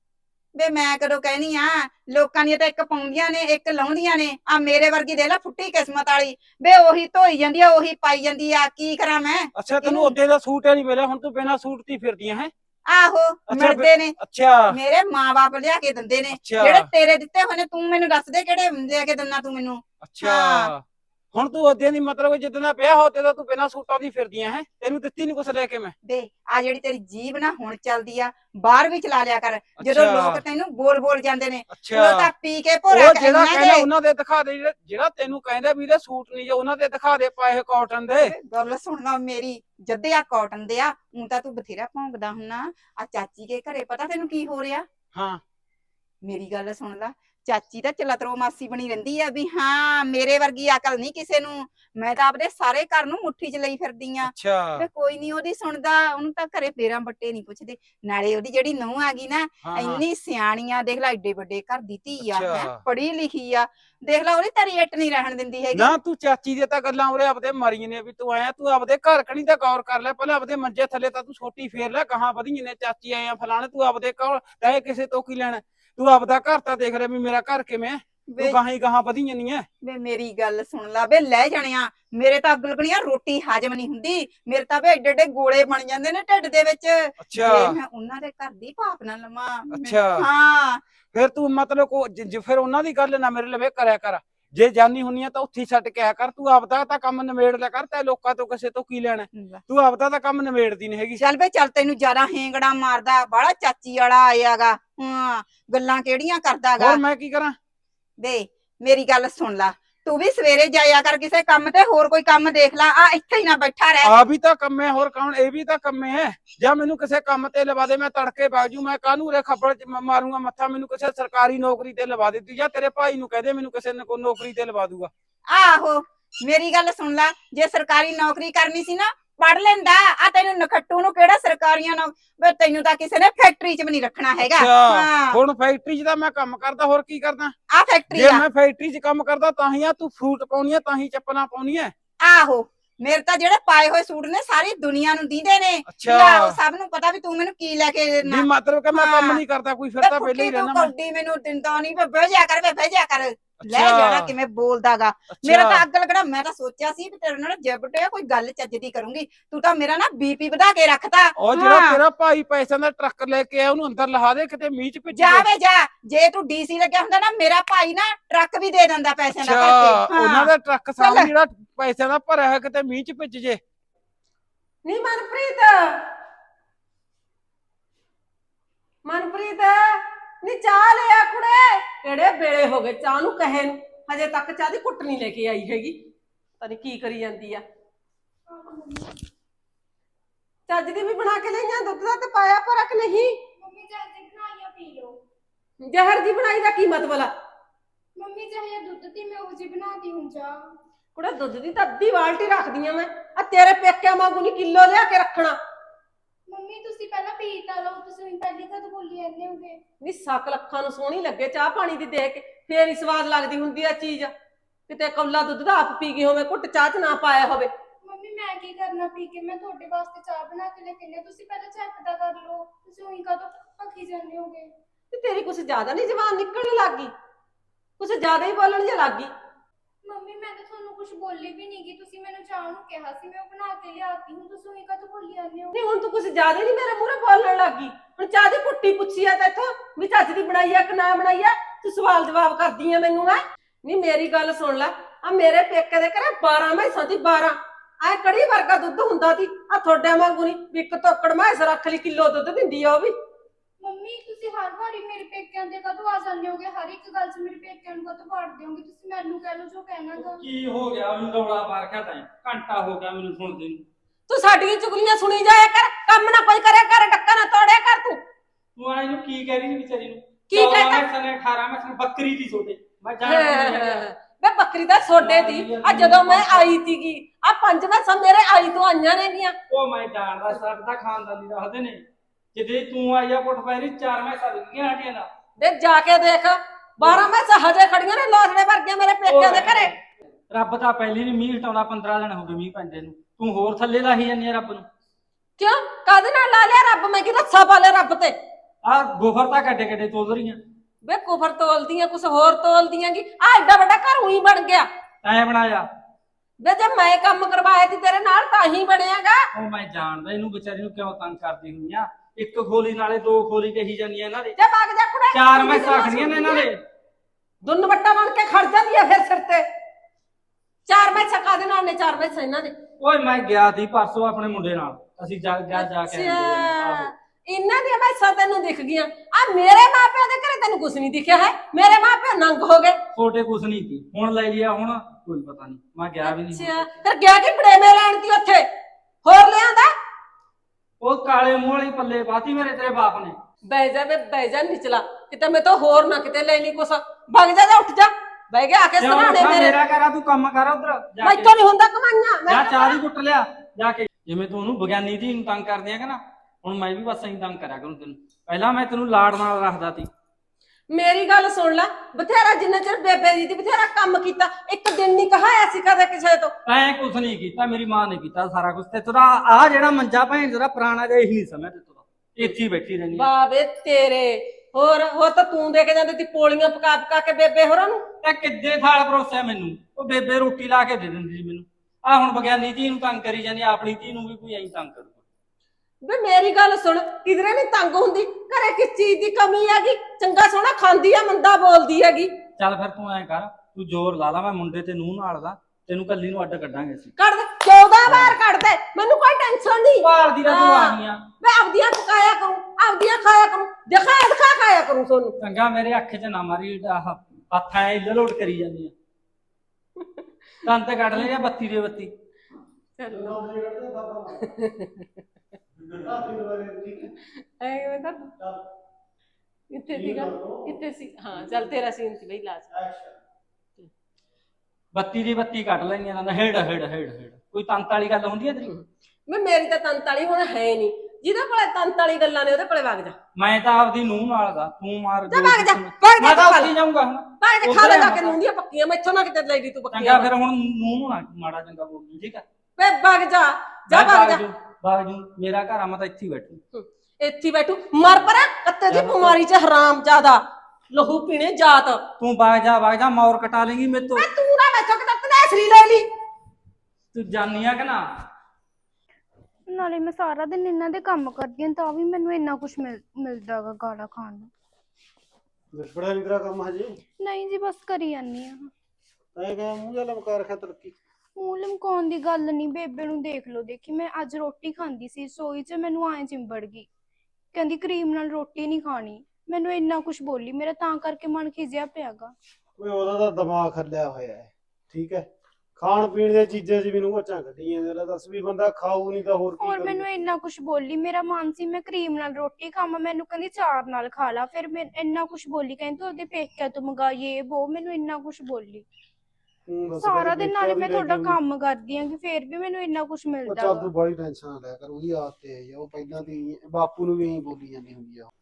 D: ਵੇ ਮੈਂ ਕਦੋਂ ਕਹਿਨੀ ਆ, ਲੋਕਾਂ ਦੀਆਂ ਤਾਂ ਇੱਕ ਪਾਉਂਦੀਆਂ ਨੇ ਇੱਕ ਲਾਉਂਦੀਆਂ ਨੇ। ਆ ਮੇਰੇ ਵਰਗੀ ਦੇਖ ਲੈ ਫੁੱਟੀ ਕਿਸਮਤ ਵਾਲੀ, ਵੇ ਉਹੀ ਧੋਈ ਜਾਂਦੀ ਆ, ਉਹੀ ਪਾਈ ਜਾਂਦੀ ਆ। ਕੀ ਕਰਾਂ ਮੈਂ?
C: ਅੱਛਾ, ਤੈਨੂੰ ਉਹਦੇ ਦਾ ਸੂਟ ਨਹੀਂ ਮਿਲਿਆ, ਹੁਣ ਤੂੰ ਬਿਨਾਂ ਸੂਟ ਦੀ ਫਿਰਦੀਆਂ ਹੈ?
D: ਆਹੋ ਮਿਲਦੇ ਨੇ,
C: ਅੱਛਾ
D: ਮੇਰੇ ਮਾਂ-ਬਾਪ ਲਿਆ ਕੇ ਦਿੰਦੇ ਨੇ।
C: ਅੱਛਾ
D: ਜਿਹੜੇ ਤੇਰੇ ਦਿੱਤੇ ਹੋਏ ਨੇ, ਤੂੰ ਮੈਨੂੰ ਦੱਸ ਦੇ ਕਿਹੜੇ ਲਿਆ ਕੇ ਦਿੰਦਾ ਤੂੰ ਮੈਨੂੰ।
C: ਅੱਛਾ, ਹੁਣ ਤੂੰ ਉਹਦੇ ਦੀ ਮਤਲਬ ਜਿੱਦਾਂ ਦਾ ਵਿਆਹ ਹੋ ਤੇ ਤੂੰ ਬਿਨਾਂ ਸੂਟਾਂ ਦੀ ਫਿਰਦੀਆਂ ਹੈ? ਤੈਨੂੰ ਦਿੱਤੀ ਨੀ ਕੁਛ ਲੈ ਕੇ ਮੈਂ?
D: ਵੇ ਆ ਜਿਹੜੀ ਤੇਰੀ ਜੀਭ ਨਾ ਹੁਣ ਚੱਲਦੀ ਆ, ਬਾਹਰ ਵੀ ਚਲਾ ਲਿਆ ਕਰ। ਜਦੋਂ ਲੋਕ ਤੈਨੂੰ ਬੋਲ ਬੋਲ ਜਾਂਦੇ ਨੇ, ਉਹ ਤਾਂ ਪੀ ਕੇ ਭੋਰਾ
C: ਉਹ ਜਿਹੜਾ
D: ਕਹਿੰਦਾ
C: ਕਹਿੰਦਾ ਉਹਨਾਂ ਦੇ ਦਿਖਾ ਦੇ, ਜਿਹੜਾ ਤੈਨੂੰ ਕਹਿੰਦਾ ਵੀ ਇਹਦੇ ਸੂਟ ਨਹੀਂ, ਜੇ ਉਹਨਾਂ ਦੇ ਦਿਖਾ ਦੇ ਪਾਏ ਕਾਟਨ ਦੇ।
D: ਗੱਲ ਸੁਣਨਾ ਮੇਰੀ, ਜੱਦੇ ਆ ਕਾਟਨ ਦੇ ਆ। ਹੁਣ ਤਾਂ ਤੂੰ ਬਥੇਰਾ ਭੌਂਕਦਾ ਹੁੰਨਾ। ਆ ਚਾਚੀ ਕੇ ਘਰੇ ਪਤਾ ਤੈਨੂੰ ਕੀ ਹੋ ਰਿਹਾ?
C: ਹਾਂ,
D: ਮੇਰੀ ਗੱਲ ਸੁਣ ਲੈ, ਚਾਚੀ ਤਾਂ ਚਲਤਰੋ ਮਾਸੀ ਬਣੀ ਰਹਿੰਦੀ ਆ ਵੀ ਹਾਂ ਮੇਰੇ ਵਰਗੀ ਅਕਲ ਨਹੀਂ ਕਿਸੇ ਨੂੰ। ਮੈਂ ਤਾਂ ਆਪਦੇ ਸਾਰੇ ਘਰ ਨੂੰ ਮੁੱਠੀ 'ਚ ਲਈ ਫਿਰਦੀ ਆ।
C: ਅੱਛਾ
D: ਵੇ ਕੋਈ ਨਹੀਂ ਉਹਦੀ ਸੁਣਦਾ, ਉਹਨੂੰ ਤਾਂ ਘਰੇ ਫੇਰਾਂ ਬੱਟੇ ਨਹੀਂ ਪੁੱਛਦੇ। ਨਾਲੇ ਉਹਦੀ ਜਿਹੜੀ ਨੂੰਹ ਆ ਗਈ ਨਾ,
C: ਹਾਂ
D: ਇੰਨੀ ਸਿਆਣੀ ਆ, ਦੇਖ ਲੈ ਏਡੇ ਵੱਡੇ ਘਰ ਦੀ ਧੀ ਆ,
C: ਅੱਛਾ।
D: ਪੜ੍ਹੀ ਲਿਖੀ ਆ। ਦੇਖ ਲੈ ਉਹਦੀ ਤਰੀ ਇੱਟ ਨਹੀਂ ਰਹਿਣ ਦਿੰਦੀ ਹੈਗੀ।
C: ਨਾ ਤੂੰ ਚਾਚੀ ਦੀਆਂ ਤਾਂ ਗੱਲਾਂ ਉਰੇ ਆਪਦੇ ਮਾਰੀ ਨੇ ਵੀ ਤੂੰ ਆਇਆ, ਤੂੰ ਆਪਦੇ ਘਰ ਕਣੀ ਤਾਂ ਗੌਰ ਕਰ ਲੈ ਪਹਿਲਾਂ। ਆਪਦੇ ਮੰਜੇ ਥੱਲੇ ਤਾਂ ਤੂੰ ਛੋਟੀ ਫੇਰ ਲੈ, ਗਾਹਾਂ ਵਧੀ ਨੇ ਚਾਚੀ ਆਏ ਆ ਫਲਾਣੇ। ਤੂੰ ਆਪਦੇ ਕੋਲ ਤੈ ਕਿਸੇ ਤੋਂ ਕੀ ਲੈਣਾ? ਤੂੰ ਆਪਦਾ ਘਰ ਤਾਂ ਦੇਖ ਲੈ ਵੀ ਮੇਰਾ ਘਰ ਕਿਵੇਂ ਹੈ। ਤੂੰ ਗਾਹਾਂ ਹੀ ਗਾਹਾਂ ਵਧੀ ਜਾਨੀ ਐ।
D: ਵੇ ਮੇਰੀ ਗੱਲ ਸੁਣ ਲਾ ਵੇ, ਲੈ ਜਾਣਿਆ ਮੇਰੇ ਤਾਂ ਅੱਗ ਲੱਗਣੀਆਂ, ਰੋਟੀ ਹਾਜ਼ਮ ਨਹੀਂ ਹੁੰਦੀ। ਮੇਰੇ ਤਾਂ ਵੇ ਏਡੇ ਏਡੇ ਗੋਲੇ ਬਣ ਜਾਂਦੇ ਨੇ ਢਿੱਡ ਦੇ ਵਿੱਚ।
C: ਅੱਛਾ
D: ਜੇ ਮੈਂ ਉਹਨਾਂ ਦੇ ਘਰ ਦੀ ਭਾਪ ਨਾ ਲਵਾਂ।
C: ਅੱਛਾ,
D: ਹਾਂ
C: ਫਿਰ ਤੂੰ ਮਤਲਬ ਫਿਰ ਉਹਨਾਂ ਦੀ ਗੱਲ ਨਾ ਮੇਰੇ ਲਵੇ ਕਰਿਆ ਕਰ। ਜੇ ਜਾਨੀ ਹੁੰਨੀ ਆ ਤਾਂ ਉੱਥੇ ਹੀ ਛੱਡ ਕੇ ਆਇਆ ਕਰ। ਤੂੰ ਆਪਦਾ ਤਾਂ ਕੰਮ ਨਿਬੇੜ ਲਿਆ ਕਰ, ਤੈ ਲੋਕਾਂ ਤੋਂ ਕਿਸੇ ਤੋਂ ਕੀ ਲੈਣਾ? ਤੂੰ ਆਪਦਾ ਤਾਂ ਕੰਮ ਨਿਬੇੜਦੀ ਨਹੀਂ ਹੈਗੀ।
D: ਚੱਲ ਬੇ ਚੱਲ, ਤੈਨੂੰ ਜ਼ਿਆਦਾ ਹੇਂਗੜਾ ਮਾਰਦਾ ਬਾਹਲਾ ਚਾਚੀ ਵਾਲਾ ਆਇਆਗਾ। ਹਾਂ, ਗੱਲਾਂ ਕਿਹੜੀਆਂ ਕਰਦਾਗਾ।
C: ਹੋਰ ਮੈਂ ਕੀ ਕਰਾਂ?
D: ਬੇ ਮੇਰੀ ਗੱਲ ਸੁਣ ਲਾ, ਤੂੰ ਵੀ ਸਵੇਰੇ ਜਾਇਆ ਕਰ ਕਿਸੇ ਕੰਮ ਤੇ, ਹੋਰ ਕੋਈ ਕੰਮ ਦੇਖ ਲਾ। ਆ ਇੱਥੇ ਹੀ ਨਾ ਬੈਠਾ ਰਹਿ।
C: ਆ ਵੀ ਤਾਂ ਕੰਮ ਹੈ, ਹੋਰ ਕੌਣ? ਇਹ ਵੀ ਤਾਂ ਕੰਮ ਹੈ। ਜਾਂ ਮੈਨੂੰ ਕਿਸੇ ਕੰਮ ਤੇ ਲਵਾ ਦੇ, ਮੈਂ ਤੜਕੇ ਬਾਜੂ, ਮੈਂ ਕਾਹਨੂੰ ਰੇ ਖੱਬਲ ਚ ਮਾਰੂੰਗਾ ਮੱਥਾ। ਮੈਨੂੰ ਕਿਸੇ ਸਰਕਾਰੀ ਨੌਕਰੀ ਤੇ ਲਵਾ ਦਿੱਤੀ, ਜਾਂ ਤੇਰੇ ਭਾਈ ਨੂੰ ਕਹਦੇ ਮੈਨੂੰ ਕਿਸੇ ਨੌਕਰੀ ਤੇ ਲਵਾ ਦੂਗਾ।
D: ਆਹੋ, ਮੇਰੀ ਗੱਲ ਸੁਣ ਲਾ, ਜੇ ਸਰਕਾਰੀ ਨੌਕਰੀ ਕਰਨੀ ਸੀ ਨਾ ਪੜ ਲੈਂਦਾ। ਆ ਤੈਨੂੰ ਨਖੱਟੂ ਨੂੰ ਕਿਹੜਾ ਸਰਕਾਰੀਆਂ ਵੇ, ਤੈਨੂੰ ਤਾਂ ਕਿਸੇ ਨੇ ਫੈਕਟਰੀ 'ਚ ਵੀ ਨਹੀਂ ਰੱਖਣਾ ਹੈਗਾ। ਹਾਂ,
C: ਹੁਣ ਫੈਕਟਰੀ 'ਚ ਤਾਂ ਮੈਂ ਕੰਮ ਕਰਦਾ, ਹੋਰ ਕੀ ਕਰਦਾ?
D: ਆ ਫੈਕਟਰੀ
C: ਜੇ
D: ਆ।
C: ਮੈਂ ਫੈਕਟਰੀ 'ਚ ਕੰਮ ਕਰਦਾ ਤਾਂ ਹੀ ਆ ਤੂੰ ਫਰੂਟ ਪਾਉਣੀ ਆ, ਤਾਂ ਹੀ ਚੱਪਲਾਂ ਪਾਉਣੀ ਆ।
D: ਆਹੋ, ਮੇਰੇ ਤਾਂ ਜਿਹੜੇ ਪਾਏ ਹੋਏ ਸੂਟ ਨੇ ਸਾਰੀ ਦੁਨੀਆ ਨੂੰ ਦੀਂਦੇ ਨੇ।
C: ਅੱਛਾ।
D: ਆਹੋ, ਸਭ ਨੂੰ ਪਤਾ ਵੀ ਤੂੰ ਮੈਨੂੰ ਕੀ ਲੈ ਕੇ ਦੇਣਾ।
C: ਵੀ ਮਤਲਬ ਕਿ ਮੈਂ ਕੰਮ
D: ਹਾਂ।
C: ਨਹੀਂ ਕਰਦਾ ਕੋਈ, ਫਿਰ
D: ਵੇ
C: ਤਾਂ ਪਹਿਲਾਂ ਹੀ
D: ਫੁੱਕੀ ਤੂੰ
C: ਰਹਿਣਾ ਮੈਂ।
D: ਕੌਡੀ ਮੈਨੂੰ ਦਿੰਦਾ ਨਹੀਂ। ਵੇ ਬਹਿ ਜਾ ਕਰ, ਵੇ ਬਹਿ ਜਾ ਕਰ। ਲੈ
C: ਅੱਛਾ।
D: ਜਾਣਾ ਕਿਵੇਂ ਬੋਲਦਾਗਾ। ਮੇਰਾ ਤਾਂ
C: ਅੱਛਾ।
D: ਅੱਗ ਲੱਗਣਾ। ਮੈਂ ਤਾਂ ਸੋਚਿਆ ਸੀ ਵੀ ਤੇਰੇ ਨਾਲ ਜਬਟੇ ਕੋਈ ਗੱਲ ਚੱਜ ਦੀ ਕਰੂੰਗੀ, ਤੂੰ ਤਾਂ ਮੇਰਾ ਨਾ ਬੀਪੀ ਵਧਾ ਕੇ ਰੱਖਤਾ।
C: ਉਹ ਜਿਹੜਾ
D: ਹਾਂ।
C: ਤੇਰਾ ਭਾਈ ਪੈਸਿਆਂ ਦਾ ਟਰੱਕ ਲੈ ਕੇ ਆਇਆ, ਉਹਨੂੰ ਅੰਦਰ ਲਹਾ ਦੇ, ਕਿਤੇ ਮੀਂਹ 'ਚ ਭਿੱਜ
D: ਜਾ
C: ਜਾਵੇ।
D: ਵੇ ਜਾ, ਜੇ ਤੂੰ ਡੀਸੀ ਲੱਗਿਆ ਹੁੰਦਾ ਨਾ, ਮੇਰਾ ਭਾਈ ਨਾ ਟਰੱਕ ਵੀ ਦੇ ਦਿੰਦਾ ਪੈਸਿਆਂ ਦਾ ਭਰ
C: ਅੱਛਾ,
D: ਕੇ।
C: ਉਹਨਾਂ
D: ਹਾਂ।
C: ਦਾ ਟਰੱਕ ਸਾਹਮਣੇ ਜਿਹੜਾ ਪੈਸਿਆਂ ਦਾ ਭਰਿਆ ਹੋਇਆ, ਕਿਤੇ ਮੀਂਹ 'ਚ ਭਿੱਜ ਜੇ।
B: ਨੀ ਮਨਪ੍ਰੀਤ, ਮਨਪ੍ਰੀਤ ਨੀ ਚਾਹ ਲਿਆ ਕੁੜੇ। ਕਿਹੜੇ ਵੇਲੇ ਹੋ ਗਏ ਚਾਹ ਨੂੰ ਕਹੇ ਨੂੰ, ਹਜੇ ਤੱਕ ਚਾਹ ਦੀ ਘੁੱਟ ਨਹੀਂ ਲੈ ਕੇ ਆਈ ਹੈਗੀ। ਪਤਾ ਨੀ ਕੀ ਕਰੀ ਜਾਂਦੀ ਆ। ਚੱਜ ਦੀ ਵੀ ਬਣਾ ਕੇ ਲਈਆਂ, ਦੁੱਧ ਦਾ ਤੇ ਪਾਇਆ ਪਰ ਨਹੀਂ।
A: ਮੰਮੀ ਚਾਹੇ ਬਣਾਈਆ ਪੀ ਲਓ।
B: ਜ਼ਹਿਰ ਦੀ ਬਣਾਈ ਦਾ ਕੀ ਮਤਲਬ ਆ?
A: ਮੰਮੀ ਚਾਹੇ ਦੁੱਧ ਦੀ ਮੈਂ ਉਹ ਜੀ ਬਣਾਤੀ ਹੁਣ ਚਾਹ।
B: ਕੁੜੇ ਦੁੱਧ ਦੀ ਤਾਂ ਅੱਧੀ ਬਾਲਟੀ ਰੱਖਦੀ ਆ ਮੈਂ। ਆ ਤੇਰੇ ਪੇਕਿਆਂ ਵਾਂਗੂ ਨੀ ਕਿਲੋ ਲਿਆ ਕੇ ਰੱਖਣਾ।
A: ਮੰਮੀ ਤੁਸੀਂ ਪਹਿਲਾਂ ਪੀ ਤਾਂ ਲਓ, ਤੁਸੀਂ ਪਹਿਲੀ ਕਦ ਬੋਲੀ ਜਾਂਦੇ ਹੋਗੇ।
B: ਨੀ ਸੱਕ ਲੱਖਾਂ ਨੂੰ ਸੋਹਣੀ ਲੱਗੇ ਚਾਹ ਪਾਣੀ ਦੀ ਦੇਖ ਕੇ, ਫੇਰ ਹੀ ਸਵਾਦ ਲੱਗਦੀ ਹੁੰਦੀ ਆ ਚੀਜ਼। ਕਿਤੇ ਕੌਲਾ ਦੁੱਧ ਦਾ ਆਪ ਪੀ ਗਈ ਹੋਵੇ, ਘੁੱਟ ਚਾਹ ਚ ਨਾ ਪਾਇਆ ਹੋਵੇ।
A: ਮੰਮੀ ਮੈਂ ਕੀ ਕਰਨਾ ਪੀ ਕੇ? ਮੈਂ ਤੁਹਾਡੇ ਵਾਸਤੇ ਚਾਹ ਬਣਾ ਕੇ ਲੈ ਕੇ ਆਈ। ਤੁਸੀਂ ਪਹਿਲਾਂ ਚੈੱਕ ਤਾਂ ਕਰ ਲਓ, ਤੁਸੀਂ ਉਹੀ ਕਾਹਤੋਂ ਭੱਖੀ ਜਾਂਦੇ ਹੋਗੇ।
B: ਤੇ ਤੇਰੀ ਕੁਛ ਜ਼ਿਆਦਾ ਨਹੀਂ ਜ਼ਬਾਨ ਨਿਕਲਣ ਲੱਗ ਗਈ? ਕੁਛ ਜ਼ਿਆਦਾ ਹੀ ਬੋਲਣ ਜੇ ਲੱਗ ਗਈ।
A: ਮੰਮੀ ਮੈਂ ਤਾਂ ਤੁਹਾਨੂੰ ਕੁਝ ਬੋਲੀ ਵੀ ਨਹੀਂ ਗੀ, ਤੁਸੀਂ ਮੈਨੂੰ ਚਾਹ ਨੂੰ ਕਿਹਾ ਸੀ, ਮੈਂ ਉਹ ਬਣਾ ਕੇ ਲਿਆਤੀ। ਹੁਣ ਤੁਸੀਂ ਉਹੀ ਕਾਹਤੋਂ ਬੋਲੀ ਜਾਂਦੇ ਹੋ?
B: ਨਹੀਂ ਹੁਣ ਤੂੰ ਕੁਛ ਜ਼ਿਆਦਾ ਨਹੀਂ ਮੇਰੇ ਮੂਹਰੇ ਬੋਲਣ ਲੱਗ ਗਈ। ਹੁਣ ਚਾਹ ਦੀ ਕੁੱਟੀ ਪੁੱਛੀ ਆ ਤੇ ਇੱਥੋਂ ਵੀ ਚੱਜ ਦੀ ਬਣਾਈ ਆ ਕਿ ਨਾ ਬਣਾਈ ਆ, ਤੂੰ ਸਵਾਲ ਜਵਾਬ ਕਰਦੀ ਆ ਮੈਨੂੰ। ਆ ਨਹੀਂ ਮੇਰੀ ਗੱਲ ਸੁਣ ਲੈ, ਆ ਮੇਰੇ ਪੇਕੇ ਦੇ ਘਰੇ 12 ਮੈਸਾਂ ਦੀ 12 ਐ ਕੜੀ ਵਰਗਾ ਦੁੱਧ ਹੁੰਦਾ ਸੀ। ਆ ਤੁਹਾਡੇ ਵਾਂਗੂ ਨਹੀਂ ਵੀ ਇੱਕ ਤੋਕੜ ਮੈਸ ਰੱਖ ਲਈ ਕਿਲੋ ਦੁੱਧ ਦਿੰਦੀ ਆ ਉਹ ਵੀ।
A: ਮੰਮੀ ਤੁਸੀਂ ਹਰ ਵਾਰੀ ਮੇਰੇ ਪੇਕਿਆਂ ਦੇ ਕਦੋਂ ਆ ਜਾਂਦੇ ਹੋਗੇ? ਹਰ ਇੱਕ ਗੱਲ 'ਚ ਮੇਰੇ ਪੇਕਿਆਂ ਨੂੰ ਕਦੋਂ ਵਾੜਦੇ ਹੋਗੇ? ਤੁਸੀਂ ਮੈਨੂੰ ਕਹਿ ਲਓ ਜੋ ਕਹਿਣਾ ਗਾ।
E: ਕੀ ਹੋ ਗਿਆ? ਮੈਨੂੰ ਰੌਲਾ ਪਾ ਰੱਖਿਆ ਤੈਂ, ਘੰਟਾ ਹੋ ਗਿਆ ਮੈਨੂੰ ਸੁਣਦੇ ਨੂੰ।
B: ਤੂੰ ਸਾਡੀਆਂ ਚੁਗਲੀਆਂ ਸੁਣੀ ਜਾਇਆ ਕਰ, ਕੰਮ ਨਾ ਕੋਈ ਕਰਿਆ ਕਰ, ਡੱਕਾ ਨਾ ਤੋੜਿਆ ਕਰ
E: ਤੂੰ ਆਈ ਨੂੰ ਕੀ ਕਹਿ ਰਹੀ ਸੀ ਵਿਚਾਰੀ ਨੂੰ?
B: ਕੀ ਕਹਿ ਤਾ?
E: 14 ਮੈਸਾਂ 18 ਮੈਸਾਂ ਬੱਕਰੀ ਦੀ ਛੋਟੇ ਮੈਂ ਜਾਣ
B: ਵੇ ਬੱਕਰੀ ਦਾ ਸੋਡੇ ਦੀ ਆ ਜਦੋਂ ਮੈਂ ਆਈ ਸੀਗੀ, ਆ 5 ਮੈਸਾਂ ਮੇਰੇ ਆਈ ਤੋਂ ਆਈਆਂ ਨੇਗੀਆਂ।
E: ਉਹ ਮੈਂ ਜਾਣਦਾ, ਸਾਡਾ ਖਾਨਦਾਨੀ ਦੱਸਦੇ ਨੇ ਜਿੱਦੇ ਤੂੰ ਆਈ ਆ ਪੁੱਠ ਪੈਰੀ 4 ਮੈਸਾਂ ਵਿਕ ਗਈਆਂ ਸਾਡੀਆਂ ਦਾ।
B: ਦੇ ਜਾ ਕੇ ਦੇਖ 12 ਮੈਸਾਂ ਹਜੇ ਖੜੀਆਂ ਨੇ ਲੋਸੜੇ ਵਰਗੀਆਂ ਮੇਰੇ ਪੇਕਿਆਂ ਦੇ ਘਰੇ।
E: ਰੱਬ ਤਾਂ ਪਹਿਲੀ ਨੀ ਮੀਂਹ ਹਟਾਉਂਦਾ, 15 ਦਿਨ ਹੋ ਗਏ ਮੀਂਹ ਪੈਂਦੇ ਨੂੰ, ਤੂੰ ਹੋਰ ਥੱਲੇ ਲਾਹੀ ਜਾਂਦੀ ਆ ਰੱਬ ਨੂੰ।
B: ਕਿਉਂ ਕਾਹਦੇ ਨਾਲ ਲਾ ਲਿਆ ਰੱਬ? ਮੈਂ ਕੀ ਰੱਸਾ ਪਾ ਲਿਆ ਰੱਬ ਤੇ?
E: ਆਹ ਗੋਫਰ ਤਾਂ ਕੱਡੇ ਕੱਡੇ ਤੋਲ ਰਹੀਆਂ।
B: ਵੇ ਕੁਫਰ ਤੋਲਦੀਆਂ ਕੁਛ ਹੋਰ ਤੋਲਦੀਆਂ ਕੀ? ਆ ਐਡਾ ਵੱਡਾ ਘਰ ਉਹੀ ਬਣ ਗਿਆ।
E: ਤੈਂ ਬਣਾਇਆ?
B: ਵੇ ਜੇ ਮੈਂ ਕੰਮ ਕਰਵਾਇਆ ਸੀ ਤੇਰੇ ਨਾਲ ਤਾਂ ਹੀ ਬਣਿਆਗਾ।
E: ਉਹ ਮੈਂ ਜਾਣਦਾ ਇਹਨੂੰ ਵਿਚਾਰੀ ਨੂੰ ਕਿਉਂ ਤੰਗ ਕਰਦੀ ਹੁੰਦੀ ਆ। ਇੱਕ ਖੋਲੀ ਨਾਲੇ 2 ਖੋਲੀ ਕਹੀ ਜਾਂਦੀਆਂ ਇਹਨਾਂ ਦੇ।
B: ਜੇ ਵਗ ਜਾ ਕੁੜੇ,
E: 4 ਮੈਸਾਂ ਖੜੀਆਂ ਨੇ ਇਹਨਾਂ ਦੇ।
B: ਦੁੰਨ ਵੱਟਾ ਬਣ ਕੇ ਖੜ ਜਾਂਦੀ ਆ ਫਿਰ ਸਿਰ ਤੇ। 4 ਮੈਸਾਂ ਕਾਹਦੇ ਨਾਲ ਨੇ? 4 ਮੈਸਾਂ ਇਹਨਾਂ ਦੇ।
E: ਓਏ ਮੈਂ ਗਿਆ ਸੀ ਪਰਸੋਂ ਆਪਣੇ ਮੁੰਡੇ ਨਾਲ, ਅਸੀਂ ਜਾ ਕੇ ਆਏ
B: ਅੱਛਾ,
E: ਆਹੋ।
B: ਇਹਨਾਂ ਦੀਆਂ ਮੈਸਾਂ ਤੈਨੂੰ ਦਿਖ ਗਈਆਂ। ਆ ਮੇਰੇ ਮਾਪਿਆਂ ਦੇ ਘਰੇ ਤੈਨੂੰ ਕੁਛ ਨਹੀਂ ਦਿਖਿਆ ਹੈ? ਮੇਰੇ ਮਾਪਿਆਂ ਨੰਗ ਹੋ ਗਏ।
E: ਛੋਟੇ ਕੁਛ ਨਹੀਂ ਸੀ, ਹੁਣ ਲੈ ਲਿਆ, ਹੁਣ ਕੋਈ ਪਤਾ ਨਹੀਂ, ਮੈਂ ਗਿਆ ਵੀ ਨਹੀਂ।
B: ਅੱਛਾ ਫਿਰ ਗਿਆ ਕਿ ਬੜੇਵੇਂ ਲੈਣ ਦੀ ਉੱਥੇ ਹੋਰ ਲਿਆਂਦਾ?
E: ਉਹ ਕਾਲੇ ਮੂੰਹ ਵਾਲੀ ਪੱਲੇ ਬਾਤੀ ਮੇਰੇ ਤੇਰੇ ਬਾਪ ਨੇ।
B: ਬਹਿ ਜਾ ਵੇ ਬਹਿ ਜਾ ਨਿਚਲਾ, ਕਿਤੇ ਮੈਂ ਤਾਂ ਹੋਰ ਨਾ ਕਿਤੇ ਲੈ ਲਈ ਕੁਛ। ਵਗ ਜਾ ਜਾ, ਉੱਠ ਜਾ, ਬਹਿ ਗਿਆ ਆ ਕੇ ਸਰਾਣੇ ਮੇਰੇ।
E: ਮੇਰਾ ਕਰਾ ਤੂੰ ਕੰਮ ਕਰ ਉਧਰ ਜਾ ਕੇ।
B: ਮੈਥੋਂ ਨਹੀਂ ਹੁੰਦਾ ਕਮਾਈਆਂ।
E: ਜਾ ਚਾਹ ਦੀ ਕੁੱਟ ਲਿਆ ਜਾ ਕੇ। ਜਿਵੇਂ ਤੂੰ ਉਹਨੂੰ ਵਿਗਿਆਨੀ ਦੀ ਨੂੰ ਤੰਗ ਕਰਦੀ ਆ ਕਿ ਨਾ, ਹੁਣ ਮੈਂ ਵੀ ਬਸ ਐਂ ਤੰਗ ਕਰਿਆ ਕਰੂੰ ਤੈਨੂੰ। ਪਹਿਲਾਂ ਮੈਂ ਤੈਨੂੰ ਲਾੜ ਨਾਲ ਰੱਖਦਾ ਸੀ।
B: ਮੇਰੀ ਗੱਲ ਸੁਣ ਲੈ, ਬਥੇਰਾ ਜਿੰਨਾ ਚਿਰ ਬੇਬੇ ਦੀ ਬਥੇਰਾ ਕੰਮ ਕੀਤਾ, ਇੱਕ ਦਿਨ ਨਹੀਂ ਕਹਾਇਆ ਸੀ ਕਦੇ ਕਿਸੇ ਤੋਂ।
E: ਤੈਂ ਕੁਛ ਨਹੀਂ ਕੀਤਾ, ਮੇਰੀ ਮਾਂ ਨੇ ਕੀਤਾ ਸਾਰਾ ਕੁਛ। ਤੇ ਤੇਰਾ ਆਹ ਜਿਹੜਾ ਮੰਜਾ ਭੈਣ ਜਿਹੜਾ ਪੁਰਾਣਾ ਜਿਹਾ ਇਹੀ ਸਮੇਂ ਤੇ ਤੂੰ ਇੱਥੇ ਹੀ ਬੈਠੀ ਰਹਿੰਦੀ।
B: ਬਾਵੇ ਤੇਰੇ ਹੋਰ ਤਾਂ ਤੂੰ ਦੇ ਕੇ ਜਾਂਦੀ ਤੀ ਪੋਲੀਆਂ ਪਕਾ ਪਕਾ ਕੇ ਬੇਬੇ ਹੋਰਾਂ ਨੂੰ।
E: ਤਾਂ ਕਿੱਦੇ ਥਾਲ ਪਰੋਸਿਆ ਮੈਨੂੰ, ਉਹ ਬੇਬੇ ਰੋਟੀ ਲਾ ਕੇ ਦੇ ਦਿੰਦੀ ਸੀ ਮੈਨੂੰ। ਆ ਹੁਣ ਵਿਗਿਆਨੀ ਧੀ ਨੂੰ ਤੰਗ ਕਰੀ ਜਾਂਦੀ, ਆਪਣੀ ਧੀ ਨੂੰ ਵੀ ਕੋਈ ਐਂ ਤੰਗ ਕਰੂਗਾ।
B: ਵੇ ਮੇਰੀ ਗੱਲ ਸੁਣ, ਕਿਧਰੇ ਨਹੀਂ ਤੰਗ ਹੁੰਦੀ, ਘਰੇ ਕਿਸ ਚੀਜ਼ ਦੀ ਕਮੀ ਹੈਗੀ? ਚੰਗਾ ਸੋਹਣਾ ਖਾਂਦੀ ਆ, ਮੰਦਾ ਬੋਲਦੀ ਹੈਗੀ।
E: ਚੱਲ ਫਿਰ ਤੂੰ ਐਂ ਕਰ, ਤੂੰ ਜ਼ੋਰ ਲਾ ਲਾ, ਮੈਂ ਮੁੰਡੇ ਤੇ ਨੂੰਹ ਨਾਲ ਦਾ ਤੈਨੂੰ ਕੱਲੀ ਨੂੰ ਅੱਡ ਕੱਢਾਂਗੇ ਅਸੀਂ।
B: ਕੱਢ ਦੇ 14 ਵਾਰ ਕੱਢ ਦੇ, ਮੈਨੂੰ ਕੋਈ ਟੈਨਸ਼ਨ ਨਹੀਂ।
E: ਭਾਲਦੀ ਦਾ ਤੂੰ ਆ ਗਈਆਂ।
B: ਮੈਂ ਆਪਦੀਆਂ ਪਕਾਇਆ ਕਰੂੰ, ਆਪਦੀਆਂ ਖਾਇਆ ਕਰੂੰ, ਦਿਖਾ ਦਿਖਾ ਖਾਇਆ ਕਰੂੰ ਤੁਹਾਨੂੰ।
E: ਚੰਗਾ ਮੇਰੇ ਅੱਖ 'ਚ ਨਾ ਮਾਰੀ, ਆਹ ਹੱਥ ਐ ਇੱਲ ਲੋਟ ਕਰੀ ਜਾਂਦੀ ਆ। ਕੰਨ ਤੇ ਕੱਢ ਲੈ ਜਾਂ ਬੱਤੀ ਦੇ ਬੱਤੀ।
B: ਐਵੇਂ ਤਾਂ ਇੱਥੇ ਸੀਗਾ, ਇੱਥੇ ਸੀ। ਹਾਂ ਚੱਲ ਤੇਰਾ ਸੀਨ ਸੀ ਬਈ ਲਾਸਟ।
E: ਬੱਤੀ ਦੀ ਬੱਤੀ ਕੱਢ ਲੈਂਦੀਆਂ ਨਾ, ਹੇੜ ਹੇੜ ਹੇੜ ਹੇੜ। ਕੋਈ ਤੰਤ ਵਾਲੀ ਗੱਲ ਹੁੰਦੀ ਹੈ ਤੇਰੀ?
B: ਮੈਂ ਮੇਰੀ ਤਾਂ ਤੰਤ ਵਾਲੀ ਹੁਣ ਹੈ ਨਹੀਂ, ਜਿਹਦੇ ਕੋਲੇ ਤੰਤ ਵਾਲੀ ਗੱਲਾਂ ਨੇ ਉਹਦੇ ਕੋਲੇ ਵਗ ਜਾ।
E: ਮੈਂ ਤਾਂ ਆਪਦੀ ਨੂੰਹ ਨਾਲ ਦਾ, ਤੂੰ ਮਾਰ
B: ਜਾ
E: ਦੇ।
B: ਵਗ ਜਾ,
E: ਮੈਂ
B: ਵਗ ਜਾ
E: ਤਾਂ
B: ਤੂੰ
E: ਉੱਥੇ ਜਾਊਂਗਾ ਹੁਣ।
B: ਭਾਈ ਤੇ ਖਾ ਲੈ ਜਾ ਕੇ ਨੂੰਦੀਆਂ ਪੱਕੀਆਂ, ਮੈਥੋਂ ਨਾ ਕਿਤੇ ਲੈ ਲਈ ਤੂੰ
E: ਚੰਗਾ
B: ਪੱਕੀਆਂ।
E: ਫਿਰ ਹੁਣ ਨੂੰਹ ਨੂੰ ਨਾ ਮਾੜਾ ਚੰਗਾ ਬੋਲੀ, ਠੀਕ ਆ?
B: ਵੇ ਵਗ ਜਾ, ਜਾ ਵਗ ਜਾ।
E: ਬਾਜੂ ਮੇਰਾ ਘਰ ਆ, ਮੈਂ ਤਾਂ ਇੱਥੇ ਹੀ ਬੈਠੂ।
B: ਇੱਥੇ ਬੈਠੂ ਮਰ ਪਰਾ ਕੱਤੇ ਦੀ ਬਿਮਾਰੀ ਚ ਹਰਾਮ ਜ਼ਿਆਦਾ ਲਹੂ ਪੀਣੇ ਜਾਤ।
E: ਤੂੰ ਬਾਗ ਜਾ ਮੌਰ ਕਟਾ ਲੇਗੀ ਮੇਰੇ ਤੋਂ।
B: ਤੂੰ ਨਾ ਮੈਥੋਂ ਕਿਤੇ ਤਨੇਸਰੀ ਲੈ ਲਈ।
E: ਤੂੰ ਜਾਨੀ ਆ ਕਿ ਨਾ?
A: ਨਾਲੇ ਮੈਂ ਸਾਰਾ ਦਿਨ ਇਹਨਾਂ ਦੇ ਕੰਮ ਕਰਦੀ ਹਾਂ ਤਾਂ ਵੀ ਮੈਨੂੰ ਇੰਨਾ ਕੁਝ ਮਿਲਦਾ ਗਾ ਗਾਲਾਂ ਖਾਣ ਨੂੰ।
F: ਵਿਛੜਿਆ ਨਹੀਂ ਤੇਰਾ ਕੰਮ ਹਜੇ?
A: ਨਹੀਂ ਜੀ ਬਸ ਕਰੀ ਜਾਂਦੀ ਆ।
F: ਤੈਂ ਕਿਹਾ ਮੂੰਹ ਜਿਹਾ ਲਮਕਾ ਰੱਖਿਆ ਤੜਕੀ।
A: ਮੂੰਹ ਲਮਕਾਉਣ ਦੀ ਗੱਲ ਨਹੀਂ, ਬੇਬੇ ਨੂੰ ਦੇਖ ਲਓ। ਦੇਖੀ ਮੈਂ ਅੱਜ ਰੋਟੀ ਖਾਂਦੀ ਸੀ ਰਸੋਈ 'ਚ, ਮੈਨੂੰ ਐਂ ਚਿੰਬੜ ਗਈ, ਕਹਿੰਦੀ ਕਰੀਮ ਨਾਲ ਰੋਟੀ ਨਹੀਂ ਖਾਣੀ। ਮੈਨੂੰ ਇੰਨਾ ਕੁਝ ਬੋਲੀ, ਮੇਰਾ ਤਾਂ ਕਰਕੇ ਮਨ ਖਿਜਿਆ ਪਿਆਗਾ।
F: ਓਏ ਉਹਦਾ ਤਾਂ ਦਿਮਾਗ ਖੱਲਿਆ ਹੋਇਆ ਹੈ, ਠੀਕ ਹੈ? ਖਾਣ ਪੀਣ ਦੀਆਂ ਚੀਜ਼ਾਂ 'ਚ ਵੀ ਨੂੰ ਘੋਚਾਂ ਕੱਢੀਆਂ ਨੇ। ਦੱਸ ਵੀ ਬੰਦਾ ਖਾਊ ਨਹੀਂ ਤਾਂ ਹੋਰ ਕੀ
A: ਹੋਰ
F: ਕਰੂ?
A: ਮੈਨੂੰ ਇੰਨਾ ਕੁਝ ਬੋਲੀ, ਮੇਰਾ ਮਨ ਸੀ ਮੈਂ ਕਰੀਮ ਨਾਲ ਰੋਟੀ ਖਾਵਾਂ, ਮੈਨੂੰ ਕਹਿੰਦੀ ਚਾਰ ਨਾਲ ਖਾ ਲਾ। ਫਿਰ ਮੈਂ ਇੰਨਾ ਕੁਝ ਬੋਲੀ, ਕਹਿੰਦੀ ਤੂੰ ਉਹਦੇ ਪੇਕਿਆਂ ਤੋਂ ਮੰਗਾਈਏ ਉਹ, ਮੈਨੂੰ ਇੰਨਾ ਕੁਝ ਬੋਲੀ।
F: ਤੂੰ ਦੱਸ
A: ਸਾਰਾ
F: ਕਦੇ
A: ਦਿਨ ਨਾਲੇ
F: ਦੇਖਿਆ
A: ਮੈਂ
F: ਵੀ
A: ਤੁਹਾਡਾ
F: ਲੈ ਕੇ
A: ਕੰਮ ਕਰਦੀ ਆਂ ਕਿ ਫੇਰ ਵੀ ਮੈਨੂੰ ਇੰਨਾ ਕੁਝ
F: ਉਹ
A: ਮਿਲਦਾ
F: ਚੱਲ
A: ਵਾ।
F: ਤੂੰ ਬੜੀ ਟੈਨਸ਼ਨ ਨਾ ਲਿਆ ਕਰ, ਉਹਦੀ ਆਦਤ ਹੈ ਜੀ। ਉਹ ਪਹਿਲਾਂ ਦੀ ਬਾਪੂ ਨੂੰ ਵੀ ਇਹੀ ਬੋਲੀ ਜਾਂਦੀ ਹੁੰਦੀ ਆ।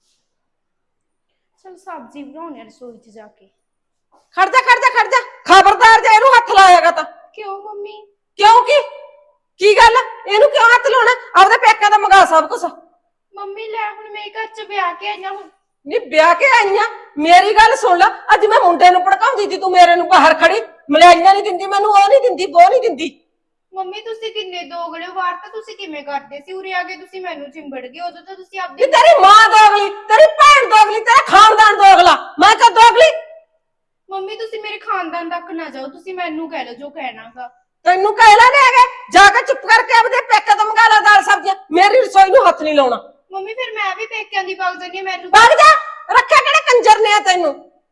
A: ਚਲ ਸਬਜ਼ੀ ਬਣਾਉਣੀ ਆ ਰਸੋਈ 'ਚ ਜਾ ਕੇ।
B: ਖੜ ਜਾ ਖੜ ਜਾ ਖੜ ਜਾ, ਖਬਰਦਾਰ ਜੇ ਇਹਨੂੰ ਹੱਥ ਲਾਏਗਾ ਤਾਂ।
A: ਕਿਉਂ ਮੰਮੀ?
B: ਕਿਉਂ ਕੀ ਗੱਲ? ਇਹਨੂੰ ਕਿਉਂ ਹੱਥ ਲਾਉਣਾ? ਆਪਦੇ ਪੇਕਿਆਂ ਦਾ ਮੰਗਾ ਸਭ ਕੁਛ।
A: ਮੰਮੀ ਲੈ ਹੁਣ ਮੈਂ ਘਰ 'ਚ ਵਿਆਹ ਕੇ ਆਈਆਂ ਹੁਣ।
B: ਨੀ ਵਿਆਹ ਕੇ ਆਈਆਂ, ਮੇਰੀ ਗੱਲ ਸੁਣ ਲੈ। ਅੱਜ ਮੈਂ ਮੁੰਡੇ ਨੂੰ ਭੜਕਾਉਂਦੀ ਸੀ, ਤੂੰ ਮੇਰੇ ਨੂੰ ਬਾਹਰ ਖੜੀ ਮਲਾਈਆਂ ਨਹੀਂ ਦਿੰਦੀ ਮੈਨੂੰ, ਉਹ ਨਹੀਂ ਦਿੰਦੀ ਉਹ ਨਹੀਂ ਦਿੰਦੀ।
A: ਮੰਮੀ ਤੁਸੀਂ ਕਿੰਨੇ ਦੋਗਲੇ ਹੋ, ਵਾਰ ਤਾਂ ਤੁਸੀਂ ਕਿਵੇਂ ਕਰਦੇ ਸੀ, ਉਰੇ ਆ ਕੇ ਤੁਸੀਂ ਮੈਨੂੰ ਚਿੰਬੜ ਗਏ। ਉਦੋਂ ਤਾਂ ਤੁਸੀਂ
B: ਨੀ
A: ਆਪਦੇ
B: ਤੇਰੀ ਮਾਂ ਦੋਗਲੀ, ਤੇਰੀ ਭੈਣ ਦੋਗਲੀ, ਤੇਰਾ ਖਾਨਦਾਨ ਦੋਗਲਾ, ਮੈਂ ਕਾ ਦੋਗਲੀ?
A: ਮੰਮੀ ਤੁਸੀਂ ਮੇਰੇ ਖਾਨਦਾਨ ਤੱਕ ਨਾ ਜਾਓ, ਤੁਸੀਂ ਮੈਨੂੰ ਕਹਿ ਲਓ ਜੋ ਕਹਿਣਾਗਾ।
B: ਤੈਨੂੰ ਕਹਿਲਾ ਨਹੀਂ ਹੈਗਾ, ਜਾ ਕੇ ਚੁੱਪ ਕਰਕੇ ਆਪਦੇ ਪੇਕੇ ਤੋਂ ਮੰਗਾ ਲੈ ਦਾਲ ਸਬਜ਼ੀਆਂ, ਮੇਰੀ ਰਸੋਈ ਨੂੰ ਹੱਥ ਨਹੀਂ ਲਾਉਣਾ।
A: ਮੰਮੀ ਫਿਰ ਮੈਂ ਵੀ ਪੇਕਿਆਂ ਦੀ ਵਗ ਜਾਂਦੀ ਹਾਂ, ਮੈਨੂੰ
B: ਵਗ ਜਾ, ਰੱਖਿਆ ਕਿਹੜੇ ਕੰਜਰ ਨੇ ਆ ਤੈਨੂੰ?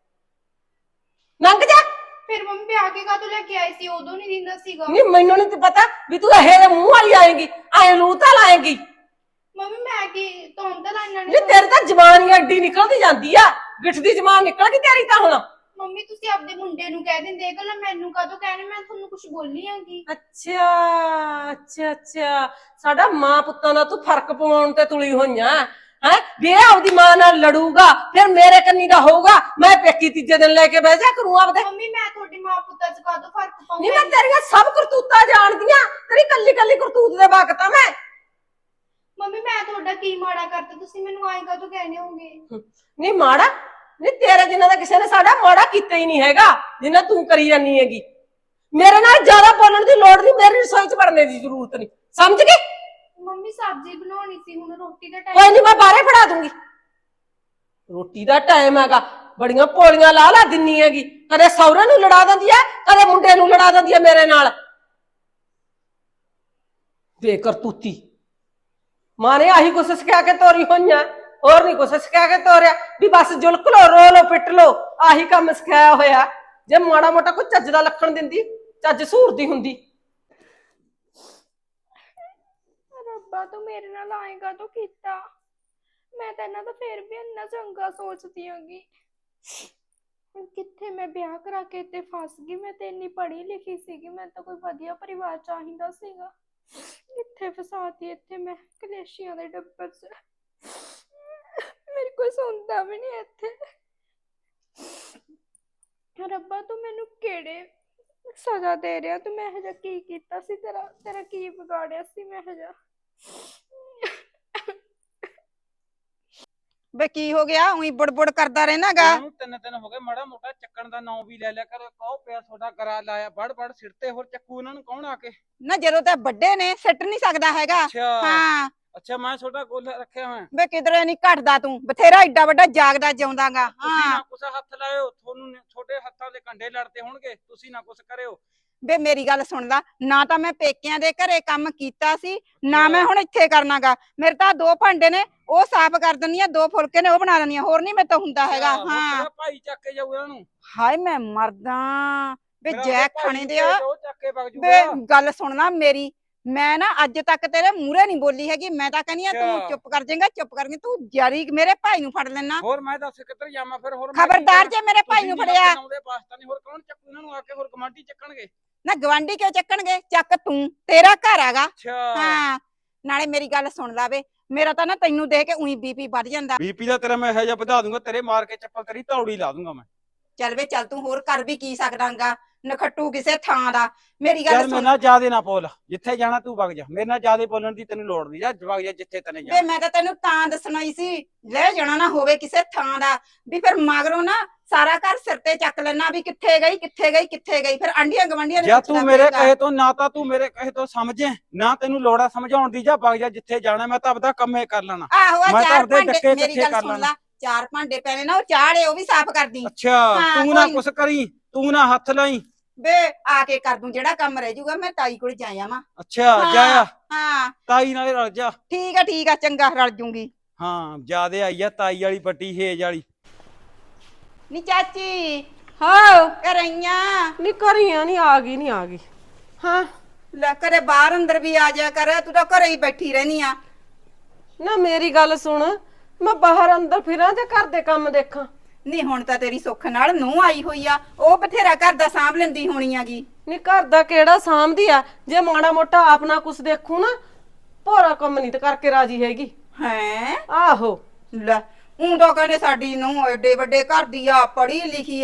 B: ਲੰਘ ਜਾ।
A: ਫਿਰ ਮੰਮੀ ਵਿਆਹ ਕੇ ਕਾਹਤੋਂ ਲੈ ਕੇ ਆਏ ਸੀ, ਉਦੋਂ ਨਹੀਂ ਦਿੰਦਾ ਸੀਗਾ।
B: ਨਹੀਂ ਮੈਨੂੰ ਨਹੀਂ ਪਤਾ ਵੀ ਤੂੰ ਇਹ ਦੇ ਮੂੰਹ ਵਾਲੀ ਆਏਂਗੀ, ਐ ਲੂਤਾ ਲਾਏਂਗੀ।
A: ਮੰਮੀ ਮੈਂ ਕੀ ਤੁਹਾਨੂੰ ਤਾਂ ਲਾਈਨਾਂ
B: ਨਹੀਂ ਤੇਰੀ ਤਾਂ ਜ਼ਬਾਨ ਹੀ ਅੱਡੀ ਨਿਕਲਦੀ ਜਾਂਦੀ ਆ, ਗਿੱਠ ਦੀ ਜ਼ਬਾਨ ਨਿਕਲ ਗਈ ਤੇਰੀ ਤਾਂ ਹੁਣ।
A: ਮੰਮੀ ਤੁਸੀਂ ਆਪਦੇ ਮੁੰਡੇ ਨੂੰ ਕਹਿ ਦਿੰਦੇ ਇਹ ਗੱਲਾਂ, ਮੈਨੂੰ ਕਾਹਤੋਂ ਕਹਿਣੇ? ਮੈਂ ਤੁਹਾਨੂੰ ਕੁਝ ਬੋਲੀ ਆਂਗੀ?
B: ਅੱਛਾ ਸਾਡਾ ਮਾਂ ਪੁੱਤਾਂ ਦਾ ਤੂੰ ਫਰਕ ਪਾਉਣ ਤੇ ਤੁਲੀ ਹੋਈਆਂ ਹੈ। ਵੀ ਇਹ ਆਪਦੀ ਮਾਂ ਨਾਲ ਲੜੂਗਾ ਫਿਰ ਮੇਰੇ ਕੰਨੀ ਦਾ ਹੋਊਗਾ, ਮੈਂ ਪੇਕੀ ਤੀਜੇ ਦਿਨ ਲੈ ਕੇ ਬਹਿ ਜਾ ਕਰੂੰ ਆਪਦੇ।
A: ਮੰਮੀ ਮੈਂ ਤੁਹਾਡੀ ਮਾਂ ਪੁੱਤਾਂ 'ਚ ਕਾਹਤੋਂ ਫਰਕ
B: ਨਹੀਂ
A: ਪਾਉਂਗੀ?
B: ਮੈਂ ਤੇਰੀਆਂ ਸਭ ਕਰਤੂਤਾਂ ਜਾਣਦੀਆਂ, ਤੇਰੀ ਕੱਲੀ ਕੱਲੀ ਕਰਤੂਤ ਦੇ ਵਕਤ ਆ ਮੈਂ।
A: ਮੰਮੀ ਮੈਂ ਤੁਹਾਡਾ ਕੀ ਮਾੜਾ ਕਰਤਾ, ਤੁਸੀਂ ਮੈਨੂੰ ਆਏ ਕਾਹਤੋਂ ਕਹਿਣੇ ਹੋਗੇ?
B: ਨਹੀਂ ਮਾੜਾ ਨਹੀਂ, ਤੇਰੇ ਜਿੰਨਾ ਦਾ ਕਿਸੇ ਨੇ ਸਾਡਾ ਮਾੜਾ ਕੀਤਾ ਹੀ ਨਹੀਂ ਹੈਗਾ ਜਿੰਨਾ ਤੂੰ ਕਰੀ ਜਾਨੀ ਹੈਗੀ। ਮੇਰੇ ਨਾਲ ਜ਼ਿਆਦਾ ਬੋਲਣ ਦੀ ਲੋੜ ਨਹੀਂ, ਮੇਰੀ ਰਸੋਈ 'ਚ ਵੜਨੇ ਦੀ ਜ਼ਰੂਰਤ ਨਹੀਂ, ਸਮਝ ਗਈ?
A: ਮੰਮੀ ਸਬਜ਼ੀ ਬਣਾਉਣੀ ਸੀ, ਹੁਣ ਰੋਟੀ ਦਾ
B: ਕੋਈ
A: ਟਾਈਮ।
B: ਨਹੀਂ ਮੈਂ ਬਾਹਰੇ ਫੜਾ ਦੂੰਗੀ। ਰੋਟੀ ਦਾ ਟਾਈਮ ਹੈਗਾ, ਬੜੀਆਂ ਪੋਲੀਆਂ ਲਾ ਦਿੰਨੀ ਹੈਗੀ, ਕਦੇ ਸਹੁਰੇ ਨੂੰ ਲੜਾ ਦਿੰਦੀ ਹੈ, ਕਦੇ ਮੁੰਡੇ ਨੂੰ ਲੜਾ ਦਿੰਦੀ ਹੈ ਮੇਰੇ ਨਾਲ। ਬੇਕਰਤੂਤੀ ਮਾਂ ਨੇ ਆਹੀ ਕੁਛ ਸਿਖਾ ਕੇ ਤੋਰੀ ਹੋਈਆਂ, ਹੋਰ ਨਹੀਂ ਕੁਛ ਸਿਖਾ ਕੇ ਤੋਰਿਆ ਵੀ ਬਸ ਜੁਲਕ ਲੋ, ਰੋ ਲੋ, ਪਿੱਟ ਲੋ, ਆਹੀ ਕੰਮ ਸਿਖਾਇਆ ਹੋਇਆ। ਜੇ ਮਾੜਾ ਮੋਟਾ ਕੋਈ ਚੱਜ ਦਾ ਲੱਖਣ ਦਿੰਦੀ, ਚੱਜ ਸੂਰਦੀ ਹੁੰਦੀ।
A: ਰੱਬਾ ਤੂੰ ਮੇਰੇ ਨਾਲ ਆਏਗਾ ਤੂੰ ਕੀਤਾ, ਮੈਂ ਤਾਂ ਇਹਨਾਂ ਦਾ ਫੇਰ ਵੀ ਇੰਨਾ ਚੰਗਾ ਸੋਚਦੀ ਆਂਗੀ। ਹੁਣ ਕਿੱਥੇ ਮੈਂ ਵਿਆਹ ਕਰਾ ਕੇ ਇੱਥੇ ਫਸ ਗਈ। ਮੈਂ ਤੇ ਇੰਨੀ ਪੜ੍ਹੀ ਲਿਖੀ ਸੀਗੀ, ਮੈਂ ਤਾਂ ਕੋਈ ਵਧੀਆ ਪਰਿਵਾਰ ਚਾਹੀਦਾ ਸੀਗਾ, ਕਿੱਥੇ ਫਸਾਤੀ ਇੱਥੇ ਮੈਂ ਕਲੇਸ਼ੀਆਂ ਦੇ ਡੱਬਰ 'ਚ। ਮੇਰੇ ਕੋਈ ਸੁਣਦਾ ਵੀ ਨਹੀਂ ਇੱਥੇ। ਰੱਬਾ ਤੂੰ ਮੈਨੂੰ ਕਿਹੜੇ ਸਜ਼ਾ ਦੇ ਰਿਹਾ, ਤੂੰ ਮੈਂ ਇਹੋ ਜਿਹਾ ਕੀ ਕੀਤਾ ਸੀ, ਤੇਰਾ ਕੀ ਵਿਗਾੜਿਆ ਸੀ ਮੈਂ ਇਹੋ ਜਿਹਾ?
D: ਬੇ ਕੀ ਹੋ ਗਿਆ? ਉਹੀ ਬੁੜਬੁੜ ਕਰਦਾ ਰਹਿਣਾਗਾ।
C: ਉਹਨੂੰ 3 ਦਿਨ ਹੋ ਗਏ, ਮਾੜਾ ਮੋਟਾ ਚੱਕਣ ਦਾ ਨਾਂ ਵੀ ਲੈ ਲਿਆ ਕਰੋ। ਕਹੋ ਪਿਆ ਤੁਹਾਡਾ ਕਰਾ ਲਾਇਆ, ਵੜ ਸਿਰ ਤੇ ਹੋਰ ਚੱਕੂ ਇਹਨਾਂ ਨੂੰ ਕੌਣ ਆ ਕੇ?
D: ਨਾ ਜਦੋਂ ਤਾਂ ਵੱਡੇ ਨੇ ਸਿੱਟ ਨਹੀਂ ਸਕਦਾ ਹੈਗਾ।
C: ਅੱਛਾ
D: ਹਾਂ
C: ਅੱਛਾ ਮੈਂ ਛੋਟਾ ਗੋਲ ਰੱਖਿਆ ਹੋਇਆ
D: ਵੇ ਕਿਧਰੇ ਨਹੀਂ ਘਟਦਾ ਤੂੰ ਬਥੇਰਾ ਏਡਾ ਵੱਡਾ ਜਾਗਦਾ ਜਿਉਂਦਾਗਾ
C: ਤੁਸੀਂ
D: ਹਾਂ
C: ਨਾ ਕੁਛ ਹੱਥ ਲਾਇਓ ਤੁਹਾਨੂੰ ਛੋਟੇ ਹੱਥਾਂ ਦੇ ਕੰਡੇ ਲੜਦੇ ਹੋਣਗੇ ਤੁਸੀਂ ਨਾ ਕੁਛ ਕਰਿਓ
D: ਵੇ ਮੇਰੀ ਗੱਲ ਸੁਣ ਲਾ ਨਾ ਤਾਂ ਮੈਂ ਪੇਕਿਆਂ ਦੇ ਘਰੇ ਕੰਮ ਕੀਤਾ ਸੀ ਨਾ ਮੈਂ ਹੁਣ ਇੱਥੇ ਕਰਨਾਗਾ ਮੇਰੇ ਤਾਂ 2 ਭਾਂਡੇ ਨੇ ਉਹ ਸਾਫ਼ ਕਰ ਦਿੰਦੀ ਆ 2 ਫੁਲਕੇ ਨੇ ਉਹ ਬਣਾ ਦਿੰਦੀ ਆ ਹੋਰ ਨਹੀਂ ਮੇਰੇ ਤੋਂ ਹੁੰਦਾ ਹੈਗਾ
C: ਅੱਛਾ, ਹੁਣ
D: ਹਾਂ
C: ਤੇਰਾ ਭਾਈ ਚੱਕ ਕੇ ਜਾਊ ਇਹਨਾਂ ਨੂੰ
D: ਹਾਏ ਮੈਂ ਮਰਦਾ ਵੇ
C: ਮੇਰਾ
D: ਜੈ
C: ਭਾਈ
D: ਖਾਣੇ
C: ਨੂੰ
D: ਦੇ ਆ
C: ਭੇਜ ਦਿਓ, ਚੱਕ ਕੇ ਵਗ
D: ਵੇ
C: ਜੂਗਾ
D: ਗੱਲ ਸੁਣਨਾ ਮੇਰੀ ਮੈਂ ਨਾ ਅੱਜ ਤੱਕ ਤੇਰੇ ਮੂਹਰੇ ਨਹੀਂ ਬੋਲੀ ਹੈਗੀ ਮੈਂ ਤਾਂ ਕਹਿੰਦੀ ਆ ਤੂੰ
C: ਅੱਛਾ।
D: ਚੁੱਪ ਕਰ ਜਾਏਗਾ ਚੁੱਪ ਕਰਕੇ ਤੂੰ ਜਾਰੀ ਮੇਰੇ ਭਾਈ ਨੂੰ ਫੜ ਲੈਣਾ
C: ਹੋਰ ਮੈਂ ਦੱਸ ਕਿੱਧਰ ਜਾਵਾਂ ਫਿਰ ਹੋਰ ਮੈਂ ਕੀ
D: ਖਬਰਦਾਰ
C: ਕਰਾਂ?
D: ਜੇ ਮੇਰੇ ਭਾਈ
C: ਤੁਸੀਂ
D: ਨੂੰ
C: ਨੀ
D: ਫੜਿਆ
C: ਲਾਉਂਦੇ ਪਾਕਿਸਤਾਨੀ ਹੋਰ ਕੌਣ ਚੱਕੂ ਇਹਨਾਂ ਨੂੰ ਆ ਕੇ ਹੋਰ ਕਮਾਂਡੀ ਚੱਕਣਗੇ
D: ਨਾ ਗਵਾਂਢੀ ਕਿਉਂ ਚੱਕਣਗੇ ਚੱਕ ਤੂੰ ਤੇਰਾ ਘਰ ਹੈਗਾ
C: ਅੱਛਾ
D: ਹਾਂ ਨਾਲੇ ਮੇਰੀ ਗੱਲ ਸੁਣ ਲਾਵੇ ਮੇਰਾ ਤਾਂ ਨਾ ਤੈਨੂੰ ਦੇਖ ਕੇ ਉਹੀ ਬੀਪੀ ਵੱਧ ਜਾਂਦਾ
C: ਬੀਪੀ ਦਾ ਤੇਰਾ ਮੈਂ ਇਹੋ ਜਿਹਾ ਵਧਾ ਦੂੰਗਾ ਤੇਰੇ ਮਾਰ ਕੇ ਚੱਪਲ ਤੇਰੀ ਧੌੜੀ ਲਾ ਦੂੰਗਾ ਮੈਂ
D: ਚੱਲ ਵੇ ਚੱਲ ਤੂੰ ਹੋਰ ਕਰ ਵੀ ਕੀ ਸਕਦਾਂਗਾ ਨਖੱਟੂ ਕਿਸੇ ਥਾਂ ਦਾ ਮੇਰੀ ਗੱਲ
C: ਚੱਲ ਮੇਰੇ
D: ਸੁਣ
C: ਨਾਲ ਜਿਆਦੇ ਨਾ ਬੋਲ ਜਿੱਥੇ ਜਾਣਾ ਤੂੰ ਵਗ ਜਾ ਮੇਰੇ ਨਾਲ ਜਿਆਦੇ ਬੋਲਣ ਦੀ ਤੈਨੂੰ ਲੋੜ ਨਹੀਂ ਜਾ ਵਗ ਜਾ ਜਿੱਥੇ ਤੈਨੇ
D: ਵੇ
C: ਜਾਣਾ
D: ਮੈਂ ਤਾਂ ਤੈਨੂੰ ਤਾਂ ਦੱਸਣਾ ਹੀ ਸੀ ਲੈ ਜਾਣਾ ਨਾ ਹੋਵੇ ਕਿਸੇ ਥਾਂ ਦਾ ਵੀ ਫਿਰ ਮਗਰੋਂ ਨਾ ਸਾਰਾ ਘਰ ਸਿਰ ਤੇ ਚੱਕ ਲੈਣਾ ਵੀ ਕਿੱਥੇ ਗਈ ਕਿੱਥੇ ਗਈ ਕਿੱਥੇ ਗਈ ਫਿਰ ਆਂਡੀਆਂ ਗਵੰਡੀਆਂ
C: ਜਾਂ ਤੂੰ ਮੇਰੇ ਕਹੇ ਤੋਂ ਨਾ ਤਾਂ ਤੂੰ ਮੇਰੇ ਕਹੇ ਤੋਂ ਸਮਝੇ ਨਾ ਤੈਨੂੰ ਲੋੜਾ ਸਮਝਾਉਣ ਦੀ ਜਾ ਵਗ ਜਾ ਜਿੱਥੇ ਜਾਣਾ ਮੈਂ ਤਾਂ ਆਪਦਾ ਕੰਮੇ ਕਰ ਲੈਣਾ
D: ਆਹੋ ਆ
C: ਮੈਂ ਤਾਂ
D: ਚਾਰ
C: ਆਪਦੇ
D: ਭਾਂਡੇ
C: ਡੱਕੇ
D: ਮੇਰੀ
C: ਇਕੱਠੇ
D: ਗੱਲ
C: ਕਰ
D: ਸੁਣ
C: ਲੈਣਾ।
D: ਲਾ 4 ਭਾਂਡੇ ਪੈਣੇ ਨਾ ਉਹ ਚਾੜੇ ਉਹ ਵੀ ਸਾਫ਼ ਕਰਦੀ
C: ਅੱਛਾ
D: ਹਾਂ,
C: ਤੂੰ ਨਾ
D: ਕੋਈ-
C: ਕੁਛ ਕਰੀ ਤੂੰ ਨਾ ਹੱਥ ਲਾਈ
D: ਵੇ ਆ ਕੇ ਕਰ ਦੂੰ ਜਿਹੜਾ ਕੰਮ ਰਹਿ ਜਾਊਗਾ ਮੈਂ ਤਾਈ ਕੋਲ ਜਾਇਆ ਵਾਂ
C: ਅੱਛਾ ਜਾਇਆ
D: ਹਾਂ
C: ਤਾਈ ਨਾਲੇ ਰਲ ਜਾ
D: ਠੀਕ ਆ ਚੰਗਾ ਰਲ ਜੂੰਗੀ
C: ਹਾਂ ਜਿਆਦੇ ਆਈ ਆ ਤਾਈ ਵਾਲੀ ਵੱਡੀ ਹੇਜ ਵਾਲੀ
D: ਨੀ ਚਾਚੀ
B: ਹਾਂ
D: ਕਰਈਆਂ
B: ਨੀ ਕਰੀਆਂ ਨਹੀਂ ਆ ਗਈ ਹਾਂ
D: ਲੈ ਕਰੇ ਬਾਹਰ ਅੰਦਰ ਵੀ ਆ ਜਾ ਕਰ ਤੂੰ ਤਾਂ ਘਰੇ ਹੀ ਬੈਠੀ ਰਹਿਨੀ ਆ
B: ਨਾ ਮੇਰੀ ਗੱਲ ਸੁਣ ਮੈਂ ਬਾਹਰ ਅੰਦਰ ਫਿਰਾਂ ਤੇ ਘਰ ਦੇ ਕੰਮ ਦੇਖਾਂ
D: ਨਹੀਂ ਹੁਣ ਤਾਂ ਤੇਰੀ ਸੁੱਖ ਨਾਲ ਨੂੰਹ ਆਈ ਹੋਈ ਆ ਉਹ ਬਥੇਰਾ ਘਰ ਦਾ ਸਾਂਭ ਲੈਂਦੀ ਹੋਣੀ ਆਗੀ
B: ਨੀ ਘਰ ਦਾ ਕਿਹੜਾ ਸਾਂਭਦੀ ਆ ਜੇ ਮਾੜਾ ਮੋਟਾ ਆਪਣਾ ਕੁਛ ਦੇਖੂ ਨਾ ਭੋਰਾ ਕੰਮ ਨਹੀਂ ਤੇ ਕਰਕੇ ਰਾਜੀ ਹੈਗੀ
D: ਹੈ
B: ਆਹੋ
D: ਲੈ ਊਂ ਤਾਂ ਕਹਿੰਦੇ ਸਾਡੀ ਨੂੰਹ ਏਡੇ ਵੱਡੇ ਘਰ ਦੀ ਆ ਪੜ੍ਹੀ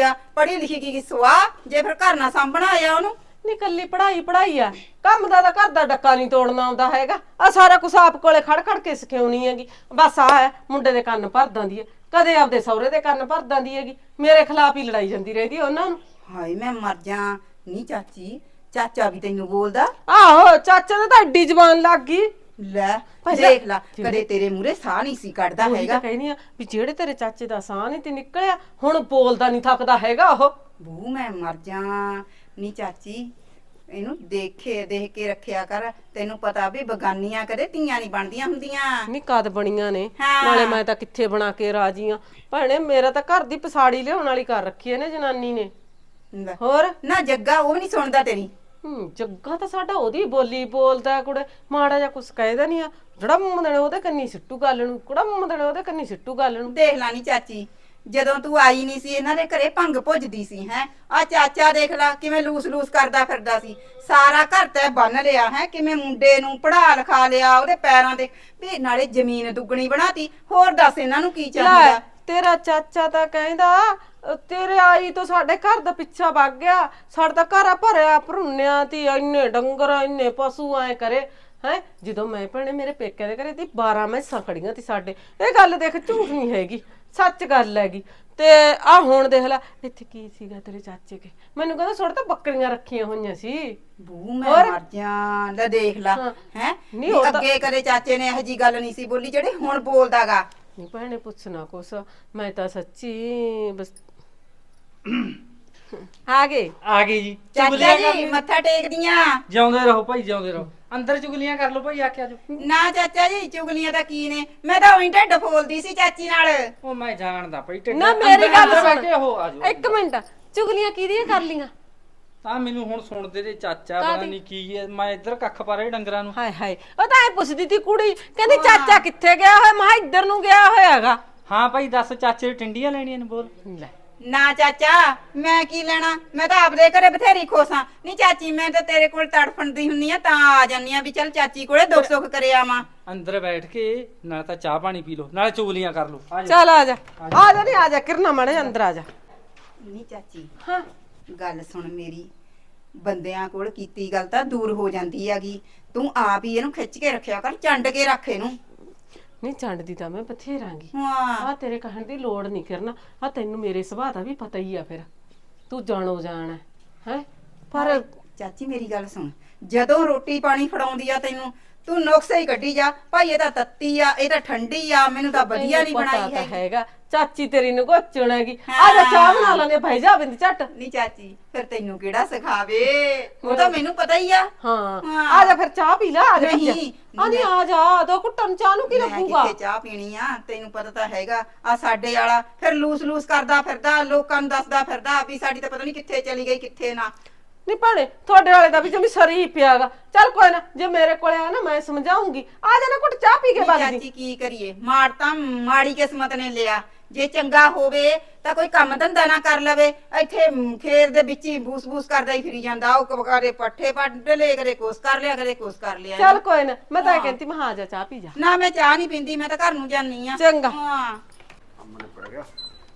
D: ਲਿਖੀ ਕੀ ਸਵਾ ਜੇ ਫਿਰ ਘਰ ਨਾ ਸਾਂਭਣਾ ਆਇਆ ਉਹਨੂੰ
B: ਨੀ ਕੱਲੀ ਪੜਾਈ ਆ ਕੰਮ ਦਾ ਤਾਂ ਘਰ ਦਾ ਡੱਕਾ ਨਹੀਂ ਤੋੜਨਾ ਆਉਂਦਾ ਹੈਗਾ ਆ ਸਾਰਾ ਕੁਛ ਆਪ ਕੋਲੇ ਖੜ ਕੇ ਸਿਖਾਉਣੀ ਹੈਗੀ ਬਸ ਆ ਹੈ ਮੁੰਡੇ ਦੇ ਕੰਨ ਭਰ ਦਿੰਦੀ ਹੈ ਕਦੇ ਆਪਦੇ ਸਹੁਰੇ ਦੇ ਕੰਨ ਭਰ ਦਿੰਦੀ ਹੈਗੀ ਮੇਰੇ ਖਿਲਾਫ ਹੀ ਲੜਾਈ ਜਾਂਦੀ ਰਹਿੰਦੀ ਉਹਨਾਂ ਨੂੰ
D: ਹਾਏ ਮੈਂ ਮਰ ਜਾ ਨੀ ਚਾਚੀ ਚਾਚਾ ਵੀ ਤੈਨੂੰ ਬੋਲਦਾ
B: ਆਹੋ ਚਾਚਾ ਨੇ ਤਾਂ ਐਡੀ ਜ਼ਬਾਨ ਲੱਗ ਗਈ
D: ਲੈ
B: ਪਹਿਲਾਂ-
D: ਦੇਖ ਲਾ ਕਦੇ ਤੇਰੇ ਮੂਹਰੇ ਸਾਹ ਨਹੀਂ ਸੀ ਕੱਢਦਾ
B: ਉਹੀ
D: ਹੈਗਾ
B: ਤਾਂ ਕਹਿੰਦੀ ਆ ਵੀ ਜਿਹੜੇ ਤੇਰੇ ਚਾਚੇ ਦਾ ਸਾਹ ਨਹੀਂ ਤੇ ਨਿਕਲਿਆ ਹੁਣ ਬੋਲਦਾ ਨਹੀਂ ਥੱਕਦਾ ਹੈਗਾ ਉਹ
D: ਬੂ ਮੈਂ ਮਰ ਜਾ ਨੀ ਚਾਚੀ ਇਹਨੂੰ ਦੇਖ ਕੇ ਰੱਖਿਆ ਕਰ ਤੈਨੂੰ ਪਤਾ ਵੀ ਬਗਾਨੀਆਂ ਕਦੇ ਧੀਆਂ ਨਹੀਂ ਬਣਦੀਆਂ ਹੁੰਦੀਆਂ
B: ਨੀ ਕਦ ਬਣੀਆਂ ਨੇ
D: ਹਾਂ।
B: ਨਾਲੇ ਮੈਂ ਤਾਂ ਕਿੱਥੇ ਬਣਾ ਕੇ ਰਾਜੀ ਆ ਭੈਣੇ ਮੇਰਾ ਤਾਂ ਘਰ ਦੀ ਪਸਾੜੀ ਲਿਆਉਣ ਵਾਲੀ ਕਰ ਰੱਖੀ ਐ ਨੇ ਜਨਾਨੀ ਨੇ
D: ਲੈ,
B: ਹੋਰ
D: ਨਾ ਜੱਗਾ ਉਹ ਨਹੀਂ ਸੁਣਦਾ ਤੇਰੀ
B: ਜੱਗਾ ਤਾਂ ਸਾਡਾ ਉਹਦੀ ਬੋਲੀ ਬੋਲਦਾ ਕੁੜੇ ਮਾੜਾ ਜਿਹਾ ਕੁਛ ਕਹਿਦਾ ਨਹੀਂ ਆ ਜਿਹੜਾ ਮੂੰਹ ਦੇਣੇ ਉਹਦੇ ਕੰਨੀ ਸਿੱਟੂ ਗੱਲ ਨੂੰ ਕੁੜਾ ਮੂੰਹ ਦੇਣੇ ਉਹਦੇ ਕੰਨੀ ਸਿੱਟੂ ਗੱਲ ਨੂੰ
D: ਦੇਖ ਲਾ ਨੀ ਚਾਚੀ ਜਦੋਂ ਤੂੰ ਆਈ ਨਹੀਂ ਸੀ ਇਹਨਾਂ ਦੇ ਘਰੇ ਭੰਗ ਭੁੱਜਦੀ ਸੀ ਹੈ ਆ ਚਾਚਾ ਦੇਖ ਲਾ ਕਿਵੇਂ ਲੂਸ ਕਰਦਾ ਫਿਰਦਾ ਸੀ ਸਾਰਾ ਘਰ ਤੇ ਬੰਨ ਲਿਆ ਹੈ ਕਿਵੇਂ ਮੁੰਡੇ ਨੂੰ ਪੜਾ ਲਿਖਾ ਲਿਆ ਉਹਦੇ ਪੈਰਾਂ ਤੇ ਵੀ ਨਾਲੇ ਜ਼ਮੀਨ ਦੁੱਗਣੀ ਬਣਾਤੀ ਹੋਰ ਦੱਸ ਇਹਨਾਂ ਨੂੰ ਕੀ ਚਾਹੀਦਾ
B: ਤੇਰਾ ਚਾਚਾ ਤਾਂ ਕਹਿੰਦਾ ਤੇਰੇ ਆਈ ਤੋਂ ਸਾਡੇ ਘਰ ਦਾ ਪਿੱਛਾ ਵਗ ਗਿਆ ਸਾਡਾ ਘਰ ਆ ਭਰਿਆ ਭਰੁੰਨਿਆ ਤੇ ਇੰਨੇ ਡੰਗਰ ਇੰਨੇ ਪਸ਼ੂ ਐ ਕਰੇ ਹੈ ਜਦੋਂ ਮੈਂ ਭੈਣੇ ਮੇਰੇ ਪੇਕਿਆਂ ਦੇ ਘਰੇ ਦੀ 12 ਮੈਸਾਂ ਖੜੀਆਂ ਤੀ ਸਾਡੇ ਇਹ ਗੱਲ ਦੇਖ ਝੂਠ ਨਹੀਂ ਹੈਗੀ ਸੱਚ ਗੱਲ ਹੈਗੀ ਤੇ ਆ ਹੁਣ ਦੇਖ ਲੈ ਇੱਥੇ ਕੀ ਸੀਗਾ ਤੇਰੇ ਚਾਚੇ ਕੇ ਮੈਨੂੰ ਕਹਿੰਦਾ ਛੋੜ ਤਾਂ ਬੱਕਰੀਆਂ ਰੱਖੀਆਂ ਹੋਈਆਂ ਸੀ
D: ਬੂ ਮੈਂ ਮਰ ਜਾ ਲੈ ਦੇਖ ਲਾ ਹੈ
B: ਨਹੀਂ ਉਹ ਤਾਂ
D: ਅੱਗੇ ਕਦੇ ਚਾਚੇ ਨੇ ਇਹੋ ਜੀ ਗੱਲ ਨਹੀਂ ਸੀ ਬੋਲੀ ਜਿਹੜੀ ਹੁਣ ਬੋਲਦਾਗਾ
B: ਨਹੀਂ ਭੈਣੇ ਪੁੱਛਣਾ ਕੁਛ ਮੈਂ ਤਾਂ ਸੱਚੀ ਬਸ ਆ ਗਏ ਜੀ
D: ਚਾਚਾ ਜੀ ਮੱਥਾ ਟੇਕਦੀਆਂ
E: ਜਿਉਂਦੇ ਰਹੋ ਭਾਈ ਜਿਉਂਦੇ ਰਹੋ ਅੰਦਰ ਚੁਗਲੀਆਂ ਕਰ ਲਓ ਭਾਈ ਆਖਿਆ ਜੋ
D: ਨਾ ਚਾਚਾ ਜੀ ਚੁਗਲੀਆਂ ਤਾਂ ਕੀ ਨੇ ਮੈਂ ਤਾਂ ਉਹੀ ਢਿੱਡ ਫੋਲਦੀ ਸੀ ਚਾਚੀ ਨਾਲ
E: ਉਹ ਮੈਂ ਜਾਣਦਾ ਭਾਈ ਢਿੱਡ
B: ਨਾ ਮੇਰੀ ਗੱਲ
E: ਅੰਦਰ ਬਹਿ
B: ਸੁਣ
E: ਕੇ ਉਹ ਆ ਜਾਓ
B: ਇੱਕ ਮਿੰਟ ਚੁਗਲੀਆਂ ਕਿਹਦੀਆਂ ਕਰ ਲੀਆਂ
E: ਤਾਂ ਮੈਨੂੰ ਹੁਣ ਸੁਣਦੇ ਤੇ ਚਾਚਾ ਪਤਾ ਨਹੀਂ ਕੀ ਹੈ ਮੈਂ ਇੱਧਰ ਕੱਖ ਪਾ ਰਿਹਾ ਡੰਗਰਾਂ ਨੂੰ
B: ਹਾਏ ਹਾਏ ਉਹ ਤਾਂ ਐ ਪੁੱਛਦੀ ਤੀ ਕੁੜੀ ਕਹਿੰਦੀ ਚਾਚਾ ਕਿੱਥੇ ਗਿਆ ਹੋਇਆ ਮੈਂ ਕਿਹਾ ਇੱਧਰ ਨੂੰ ਗਿਆ ਹੋਇਆਗਾ
E: ਹਾਂ ਭਾਈ ਦੱਸ ਚਾਚੇ ਟਿੰਡੀਆਂ ਲੈਣੀਆਂ ਨੇ ਬੋਲ
B: ਲੈ
D: ਨਾ ਚਾਚਾ ਮੈਂ ਕੀ ਲੈਣਾ ਮੈਂ ਤਾਂ ਆਪਦੇ ਘਰੇ ਬਥੇਰੀ ਖੋਸਾਂ ਨਹੀਂ ਚਾਚੀ ਮੈਂ ਤਾਂ ਤੇਰੇ ਕੋਲ ਤੜਫਣਦੀ ਹੁੰਨੀ ਆ ਤਾਂ ਆ ਜਾਨੀ ਆ ਵੀ ਚੱਲ ਚਾਚੀ ਕੋਲੇ ਦੁੱਖ ਸੁੱਖ ਕਰੇ ਆਵਾਂ
E: ਅੰਦਰ ਬੈਠ ਕੇ ਨਾਲ ਤਾਂ ਚਾਹ ਪਾਣੀ ਪੀ ਲਓ ਨਾਲੇ ਚੁਗਲੀਆਂ ਕਰ ਲਓ ਆ ਜਾ
B: ਚੱਲ ਆ ਜਾ ਨਹੀਂ ਆ ਜਾ ਕਿਰਨਾ ਮਾੜੇ ਅੰਦਰ ਆ ਜਾ
D: ਨਹੀਂ ਚਾਚੀ
B: ਹਾਂ
D: ਗੱਲ ਸੁਣ ਮੇਰੀ ਬੰਦਿਆਂ ਕੋਲ ਕੀਤੀ ਗੱਲ ਤਾਂ ਦੂਰ ਹੋ ਜਾਂਦੀ ਹੈਗੀ ਤੂੰ ਆਪ ਹੀ ਇਹਨੂੰ ਖਿੱਚ ਕੇ ਰੱਖਿਆ ਕਰ ਚੰਡ ਕੇ ਰੱਖ ਇਹਨੂੰ
B: ਨਹੀਂ ਚੰਡਦੀ ਤਾਂ ਮੈਂ ਬਥੇਰਾਂਗੀ
D: ਹਾਂ
B: ਆ ਤੇਰੇ ਕਹਿਣ ਦੀ ਲੋੜ ਨਹੀਂ ਕਰਨਾ ਆ ਤੈਨੂੰ ਮੇਰੇ ਸੁਭਾਅ ਦਾ ਵੀ ਪਤਾ ਹੀ ਆ ਫਿਰ ਤੂੰ ਜਾਣੋ ਜਾਣ ਹੈ ਪਰ
D: ਚਾਚੀ ਮੇਰੀ ਗੱਲ ਸੁਣ, ਜਦੋਂ ਰੋਟੀ ਪਾਣੀ ਫੜਾਉਂਦੀ ਆ ਤੈਨੂੰ, ਤੂੰ ਨੁਕਸੇ ਹੀ ਕੱਢੀ ਜਾ ਭਾਈ ਇਹ ਤਾਂ ਤੱਤੀ ਆ, ਇਹ ਤਾਂ ਠੰਡੀ ਆ, ਮੈਨੂੰ ਤਾਂ ਵਧੀਆ ਨਹੀਂ
B: ਪਤਾ
D: ਬਣਾਈ
B: ਤਾਂ
D: ਹੈਗੀ।
B: ਹੈਗਾ ਚਾਚੀ ਤੇਰੀ ਨੂੰ ਗੋਚਣ ਹੈਗੀ। ਆ ਜਾ ਚਾਹ ਬਣਾ ਲਾਂਗੇ ਭਾਈ ਜਾ ਬਿੰਦ ਝੱਟ।
D: ਨਹੀਂ ਚਾਚੀ ਫਿਰ ਤੈਨੂੰ ਕਿਹੜਾ ਸਿਖਾਵੇ, ਉਹ ਤਾਂ ਮੈਨੂੰ ਪਤਾ ਹੀ ਆ।
B: ਹਾਂ
D: ਹਾਂ।
B: ਆ ਜਾ ਫਿਰ ਚਾਹ ਪੀ ਲੈ ਆ ਜਾ
D: ਨਹੀਂ,
B: ਆ ਨਹੀਂ ਆ ਜਾ ਦੋ ਘੁੱਟਣ ਚਾਹ ਨੂੰ ਕੀ
D: ਮੈਂ
B: ਲੱਗੂਗਾ।
D: ਕਿੱਥੇ ਚਾਹ ਪੀਣੀ ਆ, ਤੈਨੂੰ ਪਤਾ ਤਾਂ ਹੈਗਾ ਆ ਸਾਡੇ ਵਾਲਾ ਫਿਰ ਲੂਸ ਕਰਦਾ ਫਿਰਦਾ, ਲੋਕਾਂ ਨੂੰ ਦੱਸਦਾ ਫਿਰਦਾ ਵੀ ਸਾਡੀ ਤਾਂ ਪਤਾ ਨਹੀਂ ਕਿੱਥੇ ਚਲੀ ਗਈ ਕਿੱਥੇ ਨਾ।
B: ਨਹੀਂ ਭਾਣੇ ਤੁਹਾਡੇ ਵਾਲੇ ਦਾ ਵੀ ਜਮੀ ਸਰੀ ਪਿਆਗਾ। ਚੱਲ ਕੋਈ ਨਾ ਜੇ ਮੇਰੇ ਕੋਲੇ ਆ ਨਾ ਮੈਂ ਸਮਝਾਉਂਗੀ। ਆ ਜਾ ਨਾ ਘੁੱਟ ਚਾਹ ਪੀ ਕੇ
D: ਨਹੀਂ
B: ਬਾਗ ਜੀ।
D: ਚਾਚੀ ਕੀ ਕਰੀਏ, ਮਾੜ ਤਾਂ ਮਾੜੀ ਕਿਸਮਤ ਨੇ ਲਿਆ। ਜੇ ਚੰਗਾ ਹੋਵੇ ਤਾਂ ਕੋਈ ਕੰਮ ਧੰਦਾ ਨਾ ਕਰ ਲਵੇ, ਇੱਥੇ ਖੇਤ ਦੇ ਵਿੱਚ ਹੀ ਬੂਸ ਕਰਦਾ ਹੀ ਫਿਰੀ ਜਾਂਦਾ। ਉਹ ਕਰੇ ਪੱਠੇ ਵੱਢ ਲੈ, ਕਰੇ ਕੁਛ ਕਰ ਲਿਆ, ਕਰੇ ਕੁਛ ਕਰ ਲਿਆ।
B: ਚੱਲ ਕੋਈ ਨਾ ਮੈਂ ਤਾਂ ਇਹ ਕਹਿੰਦੀ ਮੈਂ ਆ ਜਾ ਚਾਹ ਪੀ ਜਾ।
D: ਨਾ ਮੈਂ ਚਾਹ ਨਹੀਂ ਪੀਂਦੀ, ਮੈਂ ਤਾਂ ਘਰ ਨੂੰ ਜਾਨੀ ਆ।
B: ਚੰਗਾ।
D: ਹਾਂ
F: ਸਾਹਮਣੇ ਪੜ ਗਿਆ।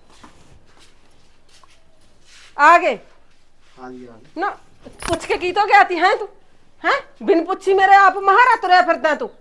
B: ਆ ਗਏ
F: ਹਾਂਜੀ ਹਾਂ
B: ਨਾ ਪੁੱਛ ਕੇ ਕੀ ਤੋਂ ਗਿਆ ਤੀ ਹੈ ਤੂੰ? ਹੈ ਬਿਨ ਪੁੱਛੀ ਮੇਰੇ ਆਪ ਮਹਾਰਾ ਤੁਰਿਆ ਫਿਰਦਾ ਤੂੰ।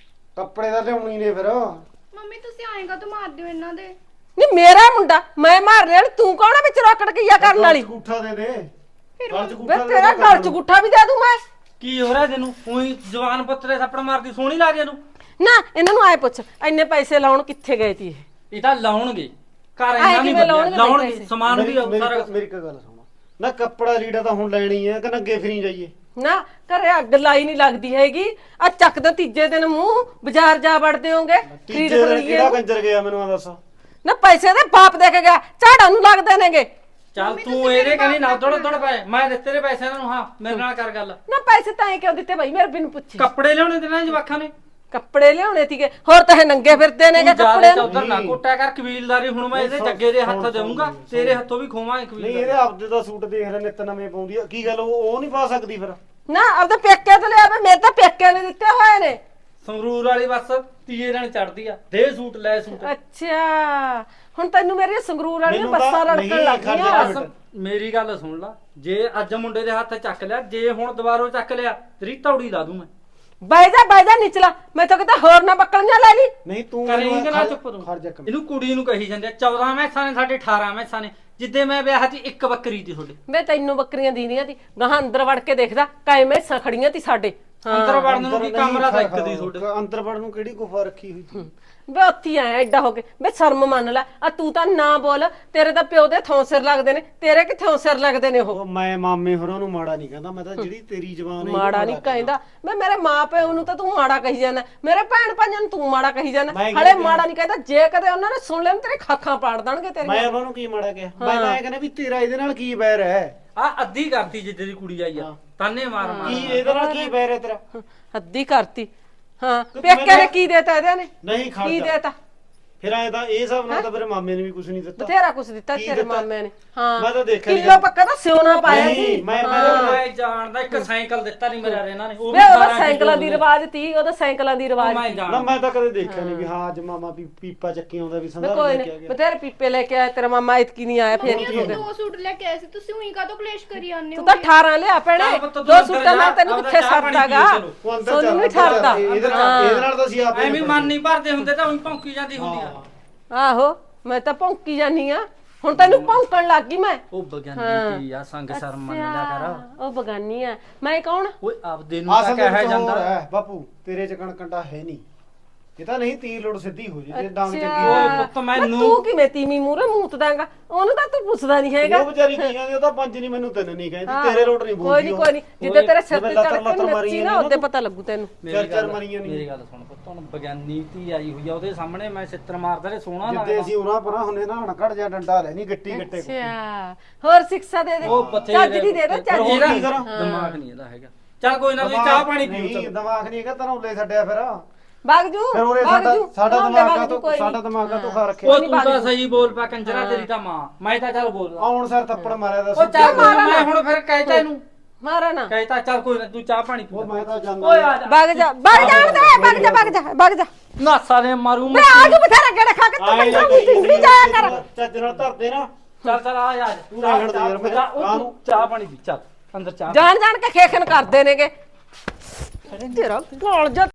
F: ਕੱਪੜੇ ਤਾਂ ਲਿਆਉਣੀ ਨੇ ਫਿਰ।
A: ਮੰਮੀ ਤੁਸੀਂ ਆਏਗਾ ਤਾਂ ਮਾਰ ਦਿਓ ਇਹਨਾਂ ਦੇ।
B: ਨਹੀਂ ਮੇਰਾ ਮੁੰਡਾ ਮੈਂ ਮਾਰਨੇ ਵਾਲੀ, ਤੂੰ ਕੌਣ ਆ ਵਿੱਚ ਰੋਕੜ ਗਈਆ ਕਰਨ ਵਾਲੀ?
F: ਗੂਠਾ ਦੇ ਦੇ। ਗਲ ਚ
B: ਵੇ
F: ਗੂਠਾ ਦੇ
B: ਤੇਰਾ ਗਲ ਚ ਗੁੱਠਾ ਵੀ ਦੇ ਦੂੰ ਮੈਂ।
E: ਕੀ ਹੋ ਰਿਹਾ ਤੈਨੂੰ? ਉਹੀ ਜਵਾਨ ਪੁੱਤਰੇ ਥੱਪੜ ਮਾਰਦੀ ਸੋਹਣੀ ਲੱਗ ਇਹਨੂੰ।
B: ਨਾ ਇਹਨਾਂ ਨੂੰ ਆਏ ਪੁੱਛ ਇੰਨੇ ਪੈਸੇ ਲਾਉਣ ਕਿੱਥੇ ਗਏ ਤੀ ਇਹ?
E: ਇਹ ਤਾਂ ਲਾਉਣਗੇ ਘਰ
B: ਆਏ
E: ਇੰਨਾ ਨਹੀਂ
B: ਕਿਵੇਂ
E: ਬਣਿਆ,
B: ਲਾਉਣਗੇ
E: ਲਾਉਣਗੇ
B: ਪੈਸੇ?
E: ਸਮਾਨ ਵੀ
F: ਮੇਰੀ
E: ਸਾਰਾ
F: ਮੇਰੀ ਇੱਕ ਗੱਲ ਸੁਣ ਨਾ, ਕੱਪੜਾ ਲੀੜਾ ਤਾਂ ਹੁਣ ਲੈਣੀ ਹੈ ਕਿ ਨੰਗੇ ਫਿਰੀ ਜਾਈਏ?
B: ਨਾ ਘਰੇ ਅੱਗ ਲਾਈ ਨਹੀਂ ਲੱਗਦੀ ਹੈਗੀ। ਆ ਚੱਕਦੇ ਤੀਜੇ ਦਿਨ ਮੂੰਹ ਬਾਜ਼ਾਰ ਜਾ ਵੜਦੇ ਹੋਗੇ ਖਰੀਦ
F: ਤੀਜੇ ਦਿਨ
B: ਖਰੀਏ।
F: ਕਿਹੜਾ ਕੰਜਰ ਗਿਆ ਮੈਨੂੰ ਆ ਦੱਸ।
B: ਨਾ ਪੈਸੇ ਦੇ ਬਾਪ ਦੇ ਕੇ ਗਿਆ, ਝਾੜਾਂ ਨੂੰ ਲੱਗਦੇ ਨੇਗੇ।
E: ਚੱਲ ਤੂੰ ਇਹਦੇ ਕਹਿੰਦੀ ਨਾ ਦੌੜ ਪਏ, ਮੈਂ ਦਿੱਤੇ ਨੇ ਪੈਸੇ ਇਹਨਾਂ ਨੂੰ। ਹਾਂ ਮੇਰੇ ਨਾਲ ਕਰ ਗੱਲ।
B: ਨਾ ਪੈਸੇ ਤਾਂ ਐ ਕਿਉਂ ਦਿੱਤੇ ਭਾਈ ਮੇਰੇ ਬਿਨ ਪੁੱਛੇ?
E: ਕੱਪੜੇ ਲਿਆਉਣੇ ਤੇ ਨਾ ਜਵਾਖਾਂ ਨੇ।
B: ਕੱਪੜੇ ਲਿਆਉਣੇ ਸੀਗੇ, ਹੋਰ ਤਾਂ ਇਹ ਨੰਗੇ ਫਿਰਦੇ ਨੇਗੇ
E: ਤੂੰ
B: ਕੱਪੜੇ
E: ਜਿਆਦਾ
B: ਨੂੰ।
E: ਚੌਧਰ ਨਾ ਕੋਟਿਆ ਕਰ ਕਬੀਲਦਾਰੀ। ਹੁਣ ਮੈਂ ਇਹਦੇ ਜੱਗੇ ਦੇ ਹੱਥ ਦੇਵਾਂਗਾ, ਤੇਰੇ ਹੱਥੋਂ ਵੀ ਖੋਵਾਂਗੇ
F: ਨਹੀਂ
E: ਕਬੀਲਦਾਰੀ।
F: ਇਹਦੇ ਆਪਦੇ ਦਾ ਸੂਟ ਦੇਖ ਲੈ ਨਿੱਤ ਨਵੇਂ ਪਾਉਂਦੀ ਆ, ਕੀ ਗੱਲ ਉਹ ਨਹੀਂ ਪਾ ਸਕਦੀ ਫਿਰ?
B: ਨਾ ਆਪਦੇ ਪੇਕੇ ਤੋਂ ਲਿਆ ਵੇ, ਮੇਰੇ ਤਾਂ ਪੇਕੇ ਨੇ ਦਿੱਤੇ ਹੋਏ ਨੇ।
E: ਸੰਗਰੂਰ ਵਾਲੀ ਬੱਸ ਤੀਏ ਦਿਨ ਚੜਦੀ ਆ, ਦੇ ਸੂਟ ਲੈ ਸੂਟ।
B: ਅੱਛਾ ਹੁਣ ਤੈਨੂੰ ਮੇਰੀ ਸੰਗਰੂਰ ਵਾਲੀਆਂ
F: ਮੈਨੂੰ ਤਾਂ
B: ਬੱਸਾਂ ਰੜਕਣ
F: ਨਹੀਂ
B: ਲੱਗ
F: ਖਰਚਾ
B: ਗਈਆਂ।
F: ਮਿੰਟ।
E: ਬਸ ਮੇਰੀ ਗੱਲ ਸੁਣ ਲਾ, ਜੇ ਅੱਜ ਮੁੰਡੇ ਦੇ ਹੱਥ ਚੱਕ ਲਿਆ, ਜੇ ਹੁਣ ਦੁਬਾਰੋਂ ਚੱਕ ਲਿਆ ਤੇਰੀ ਤੌੜੀ ਲਾ ਦੂੰ ਮੈਂ।
B: ਬਹਿ ਜਾ ਨਿਚਲਾ, ਮੈਂ ਤਾਂ ਕਿਤੇ ਹੋਰ ਨਾ ਬੱਕਲੀਆਂ ਲੈ ਲਈ।
F: ਨਹੀਂ ਤੂੰ
E: ਕਰੇਂਗਾ ਨਾ
F: ਖੜ-
E: ਚੁੱਪ ਤੂੰ।
F: ਖੜ ਜਾ ਇੱਕ ਮਿੰਟ।
E: ਇਹਨੂੰ ਕੁੜੀ ਨੂੰ ਕਹੀ ਜਾਂਦੇ ਆ 14 ਮੈਸਾਂ ਨੇ, ਸਾਡੇ 18 ਮੈਸਾਂ ਨੇ। ਜਿੱਦੇ ਮੈਂ ਵਿਆਹ 'ਚ ਇੱਕ ਬੱਕਰੀ ਤੀ ਤੁਹਾਡੇ।
B: ਵੇ ਤੈਨੂੰ ਬੱਕਰੀਆਂ ਦੀਦੀਆਂ ਤੀ, ਗਾਹਾਂ ਅੰਦਰ ਵੜ ਕੇ ਦੇਖਦਾ ਕਾਇ ਮੈਸਾਂ ਖੜੀਆਂ ਤੀ ਸਾਡੇ।
E: ਅੰਦਰ ਵੜਨ ਨੂੰ ਕੀ
F: ਨਹੀਂ
E: ਕਮਰਾ ਤਾਂ ਇੱਕ
F: ਖੜ-
E: ਦੀ ਤੁਹਾਡੇ।
F: ਅੰਦਰ ਵੜਨ ਨੂੰ ਕਿਹੜੀ ਗੁਫਾ ਰੱਖੀ ਹੋਈ ਤੂੰ?
B: ਵੇ ਉੱਥੇ ਆਇਆ ਐਡਾ ਹੋ ਕੇ, ਵੇ ਸ਼ਰਮ ਮੰਨ ਲੈ। ਆ ਤੂੰ ਤਾਂ ਨਾ ਬੋਲ, ਤੇਰੇ ਤਾਂ ਪਿਓ ਦੇ ਥੋਂ ਸਿਰ ਲੱਗਦੇ ਨੇ, ਤੇਰੇ ਕਿੱਥੋਂ ਸਿਰ ਲੱਗਦੇ ਨੇ ਉਹ?
F: ਉਹ ਮੈਂ ਮਾਮੇ ਹੋਰਾਂ ਨੂੰ ਮਾੜਾ ਨਹੀਂ ਕਹਿੰਦਾ, ਮੈਂ ਤਾਂ ਜਿਹੜੀ ਤੇਰੀ ਜ਼ਬਾਨ ਹੈ
B: ਮਾੜਾ ਨਹੀਂ ਕਹਿੰਦਾ ਮੈਂ, ਮੇਰੇ ਮਾਂ ਪਿਓ ਨੂੰ ਤਾਂ ਤੂੰ ਮਾੜਾ ਕਹੀ ਜਾਂਦਾ, ਮੇਰੇ ਭੈਣ ਭਾਈਆਂ ਨੂੰ ਤੂੰ ਮਾੜਾ ਕਹੀ ਜਾਂਦਾ।
F: ਮੈਂ ਕੀ
B: ਹਲੇ
F: ਕਿਹਾ?
B: ਮਾੜਾ ਨਹੀਂ ਕਹਿੰਦਾ, ਜੇ ਕਦੇ ਉਹਨਾਂ ਨੇ ਸੁਣ ਲੈਣ ਤੇਰੇ ਖਾਖਾਂ ਪਾੜ ਦੇਣਗੇ
F: ਮੈਂ
B: ਤੇਰੀਆਂ।
F: ਉਹਨਾਂ ਨੂੰ ਕੀ ਮਾੜਾ ਕਿਹਾ? ਮੈਂ ਤਾਂ ਇਹ ਕਹਿੰਦਾ ਵੀ ਤੇਰਾ ਇਹਦੇ ਨਾਲ ਕੀ ਬੈਰ ਹੈ?
E: ਆ ਅੱਧੀ ਕਰਤੀ ਜਿੱਦੇ ਦੀ ਕੁੜੀ ਆਈ ਆ, ਤਾਨੇ ਮਾਰ ਮਾਰ।
F: ਕੀ ਇਹਦੇ ਨਾਲ ਕੀ ਬੈਰ ਹੈ ਤੇਰਾ?
B: ਹੱਦੀ ਕਰਤੀ। ਹਾਂ ਪੇਕੇ ਨੇ ਕੀ ਦੇਤਾ ਇਹਦੇ ਨੇ?
F: ਨਹੀਂ ਖੜ
B: ਕੀ
F: ਜਾ।
B: ਦੇਤਾ?
F: ਫਿਰ ਐ ਤਾਂ ਇਹ ਸਭ ਨਾਲ ਤਾਂ ਮੇਰੇ ਮਾਮੇ ਨੇ ਵੀ ਕੁਝ ਨਹੀਂ ਦਿੱਤਾ।
B: ਬਥੇਰਾ ਕੁਛ ਦਿੱਤਾ
F: ਕੀ
B: ਤੇਰੇ
F: ਦਿੱਤਾ?
B: ਮਾਮੇ ਨੇ। ਹਾਂ
F: ਮੈਂ ਤਾਂ ਦੇਖਿਆ ਨੀ।
B: ਕਿਲੋ ਪੱਕਾ ਤਾਂ ਸਿਉਣਾ ਪਾਇਆ
F: ਨਹੀਂ,
B: ਸੀ।
F: ਮੈਂ
E: ਮੈਂ ਜਾਣਦਾ ਇੱਕ ਸਾਈਕਲ ਦਿੱਤਾ ਨਹੀਂ ਮੇਰੇ ਇਹਨਾਂ ਨੇ, ਉਹ ਵੀ
B: ਵੇ ਉਹਦਾ
E: 12
B: ਸਾਈਕਲਾਂ ਦੀ
E: ਕਿਲੋ
B: ਰਿਵਾਜ ਤੀ, ਉਹਦਾ ਸਾਈਕਲਾਂ ਦੀ ਰਿਵਾਜ
E: ਮੈਂ
B: ਤੀ।
F: ਨਾ
E: ਜਾਣਦਾ।
F: ਮੈਂ ਤਾਂ ਕਦੇ ਦੇਖਿਆ ਨਹੀਂ ਵੀ ਹਾਂ ਅੱਜ ਮਾਮਾ ਪੀਪਾ ਚੱਕੀ ਆਉਂਦਾ ਵੀ
B: ਵੇ
F: ਸੰਧਾਰਾ
B: ਕੋਈ
F: ਲੈ ਕੇ ਆ
B: ਨਹੀਂ
F: ਗਿਆ।
B: ਬਥੇਰੇ ਪੀਪੇ ਲੈ ਕੇ ਆਇਆ ਤੇਰਾ ਮਾਮਾ, ਇਤਕੀ ਨਹੀਂ ਆਇਆ ਫੇਰ
A: ਮੰਮੀ
B: ਕੀ ਹੋ
A: ਅਸੀਂ
B: ਗਿਆ?
A: 2 ਸੂਟ ਲੈ ਕੇ ਆਏ ਸੀ, ਤੁਸੀਂ ਉਹੀ ਕਾਹਤੋਂ ਕਲੇਸ਼ ਕਰੀ ਜਾਂਦੇ ਹੋ?
B: ਤੂੰ ਤਾਂ 18 ਲਿਆ ਭੈਣੇ,
E: ਚੱਲ ਪੁੱਤ ਤੂੰ
B: 2
E: ਅੰਦਰ
B: ਸੂਟਾਂ ਨਾਲ
E: ਜਾ,
B: ਤੈਨੂੰ
E: ਆਪਦਾ
B: ਕਿੱਥੇ
E: ਚਾਹ ਪਾਣੀ
B: ਸਰਦਾਗਾ?
E: ਪੀਓ ਚਲੋ।
F: ਉਹ ਅੰਦਰ
B: ਸੋਨੂੰ
F: ਚੱਲ,
B: ਨਹੀਂ
F: ਅੰਦਰ ਚੱਲ।
B: ਠਰਦਾ।
F: ਇਹਦੇ ਨਾਲ ਤਾਂ ਅਸੀਂ ਆਪ
E: ਐਵੇਂ ਮਨ ਨਹੀਂ ਭਰਦੇ ਹੁੰਦੇ ਤਾਂ ਉਹੀ ਭੌਂਕੀ ਜਾਂਦੀ ਹੁੰਦੀ ਆ।
B: ਆਹੋ ਮੈਂ ਤਾਂ ਭੌਂਕੀ ਜਾਨੀ ਆ, ਹੁਣ ਤੈਨੂੰ ਭੌਂਕਣ ਲੱਗ ਗਈ ਮੈਂ।
E: ਉਹ ਬਗਾਨੀ ਕੀ ਆ, ਸੰਗ ਸ਼ਰਮ ਮੰਨ ਲਿਆ ਕਰ।
B: ਉਹ ਬਗਾਨੀ ਆ, ਮੈਂ ਕੌਣ?
E: ਓਏ ਆਪਦੇ ਨੂੰ ਤਾਂ
F: ਅਸਲ
E: ਕਹਿਆ
F: ਵਿੱਚ ਹੋਰ
E: ਜਾਂਦਾ।
F: ਹੈ ਬਾਪੂ, ਤੇਰੇ ਚ ਕਣਕੰਡਾ ਹੈ ਨਹੀਂ। ਇਹ ਤਾਂ ਨਹੀਂ ਤੀਰ ਲੋੜ ਸਿੱਧੀ ਹੋ ਜੇ ਜੇ ਡਾਂਗ
B: ਅੱਛਾ।
F: ਚੱਕੀ
E: ਓਏ
F: ਹੋਏ।
E: ਪੁੱਤ
B: ਨਾ
E: ਮੈਨੂੰ
B: ਤੂੰ ਕਿਵੇਂ ਤੀਵੀਂ ਮੂਹਰੇ ਮੂਤ ਦਾਂਗਾ? ਉਹਨੂੰ ਤਾਂ ਤੂੰ ਪੁੱਛਦਾ ਨਹੀਂ ਹੈਗਾ।
F: ਉਹ ਵਿਚਾਰੀ ਕੀ ਕਹਿੰਦੀ, ਉਹ ਤਾਂ ਪੰਜ ਨਹੀਂ ਮੈਨੂੰ ਤਿੰਨ ਨਹੀਂ ਕਹਿੰਦੀ,
B: ਹਾਂ।
F: ਤੇਰੇ ਲੋਟ ਨਹੀਂ
B: ਕੋਈ
F: ਬੋਲਦੀ
B: ਨਹੀਂ
F: ਉਹ।
B: ਕੋਈ ਨਹੀਂ, ਜਿੱਦੇ ਤੇਰੇ ਸਿਰ ਤੇ
F: ਜਿਵੇਂ
B: ਚੜ ਕੇ
F: ਲੱਤਰ
B: ਨੱਚੀ
F: ਮਾਰੀ
B: ਨਾ
F: ਜਾਂਦੀ
B: ਉਹਦੇ
F: ਨਾ
B: ਪਤਾ ਲੱਗੂ ਤੈਨੂੰ।
E: ਮੇਰੀ
F: ਚਾਰ
E: ਗੱਲ-
F: ਮਰੀਆਂ ਨੀ।
E: ਮੇਰੀ ਗੱਲ ਸੁਣ ਪੁੱਤ, ਹੁਣ ਬਗਾਨੀ ਧੀ ਆਈ ਹੋਈ ਆ, ਉਹਦੇ ਸਾਹਮਣੇ ਮੈਂ ਛਿੱਤਰ ਮਾਰਦਾ ਤੇ ਸੋਹਣਾ
F: ਜਿੱਦੇ
E: ਲੱਗਦਾ।
F: ਅਸੀਂ ਉਹਨਾਂ ਪਰਾਂ ਹੁੰਨੇ ਨਾ ਹਣਕੜ ਜਾਂ ਡੰਡਾ ਲੈ ਨਹੀਂ ਗੱਟੀ ਗੱਟੇ
B: ਅੱਛਾ ਹੋਰ ਸਿੱਖਿਆ ਦੇ ਦੇ,
E: ਉਹ
B: ਚੱਜ ਦੀ ਦੇ ਦੇ, ਚੱਜ
F: ਹੋਰ
B: ਦੀ।
F: ਕੀ ਕਰਾਂ?
E: ਦਿਮਾਗ ਨਹੀਂ ਇਹਦਾ ਹੈਗਾ। ਚੱਲ ਕੋਈ ਨਾ, ਤੁਸੀਂ ਚਾਹ ਪਾਣੀ ਪੀਓ
F: ਨਹੀਂ
E: ਚਲੋ।
F: ਦਿਮਾਗ ਨਹੀਂ ਹੈਗਾ, ਧਰੌਲੇ ਛੱਡਿਆ ਫਿਰ
B: ਬਾਗਜੂ
F: ਫਿਰ ਉਹਨੇ
B: ਬਾਗਜੂ
F: ਸਾਡਾ
B: ਨਾ
F: ਦਿਮਾਗ
B: ਬਾਗਜੂ, ਕੋਈ
F: ਸਾਡਾ
B: ਨੀ।
F: ਦਿਮਾਗ ਤੋਂ ਖਾ ਰੱਖਿਆ।
E: ਉਹ ਤੂੰ ਤਾਂ ਸਹੀ ਬੋਲ ਪਾ ਕੰਜਰਾ, ਤੇਰੀ ਤਾਂ ਮਾਂ। ਮੈਂ ਤਾਂ ਚੱਲ ਬੋਲਦਾ।
F: ਆਉਣ ਸਰ ਥੱਪੜ ਮਾਰਿਆ ਦਾ
E: ਉਹ ਚੱਲ ਕੋਈ ਨਾ, ਮੈਂ ਹੁਣ ਫਿਰ ਕਹਿਤਾ ਇਹਨੂੰ,
B: ਮਾਰਾ ਨਾ
E: ਕਹਿਤਾ ਚੱਲ ਕੋਈ ਨਾ, ਤੂੰ ਚਾਹ ਪਾਣੀ ਪੀ।
F: ਉਹ ਮੈਂ ਤਾਂ ਜਾਂਦਾ
E: ਓਏ ਆ ਜਾ।
B: ਬਾਗ ਜਾ ਬਾਗ ਜਾ ਬਾਗ ਜਾ
E: ਨਾਸਾ ਦੇ ਮਾਰੂ
B: ਮੈਂ ਆ ਜੂ ਬਥੇਰਾ ਗੇੜਾ ਖਾ ਕੇ ਤੂੰ
F: ਆਏ
B: ਮੈਨੂੰ ਨਹੀਂ ਜਾਇਆ ਕਰ।
F: ਚੱਜ ਨਾਲ ਧਰਦੇ ਨਾ।
E: ਚੱਲ ਚੱਲ ਆ ਜਾ।
F: ਤੂੰ ਰਹਿਣ ਦੇ ਯਾਰ, ਮੈਂ
E: ਉਹ ਚਾਹ ਪਾਣੀ ਪੀ, ਚੱਲ ਅੰਦਰ ਚਾਹ।
B: ਜਾਣ ਜਾਣ ਕੇ ਖੇਖਣ ਕਰਦੇ ਨੇਗੇ ਤੇਰਾ ਗੋਲ ਜਾ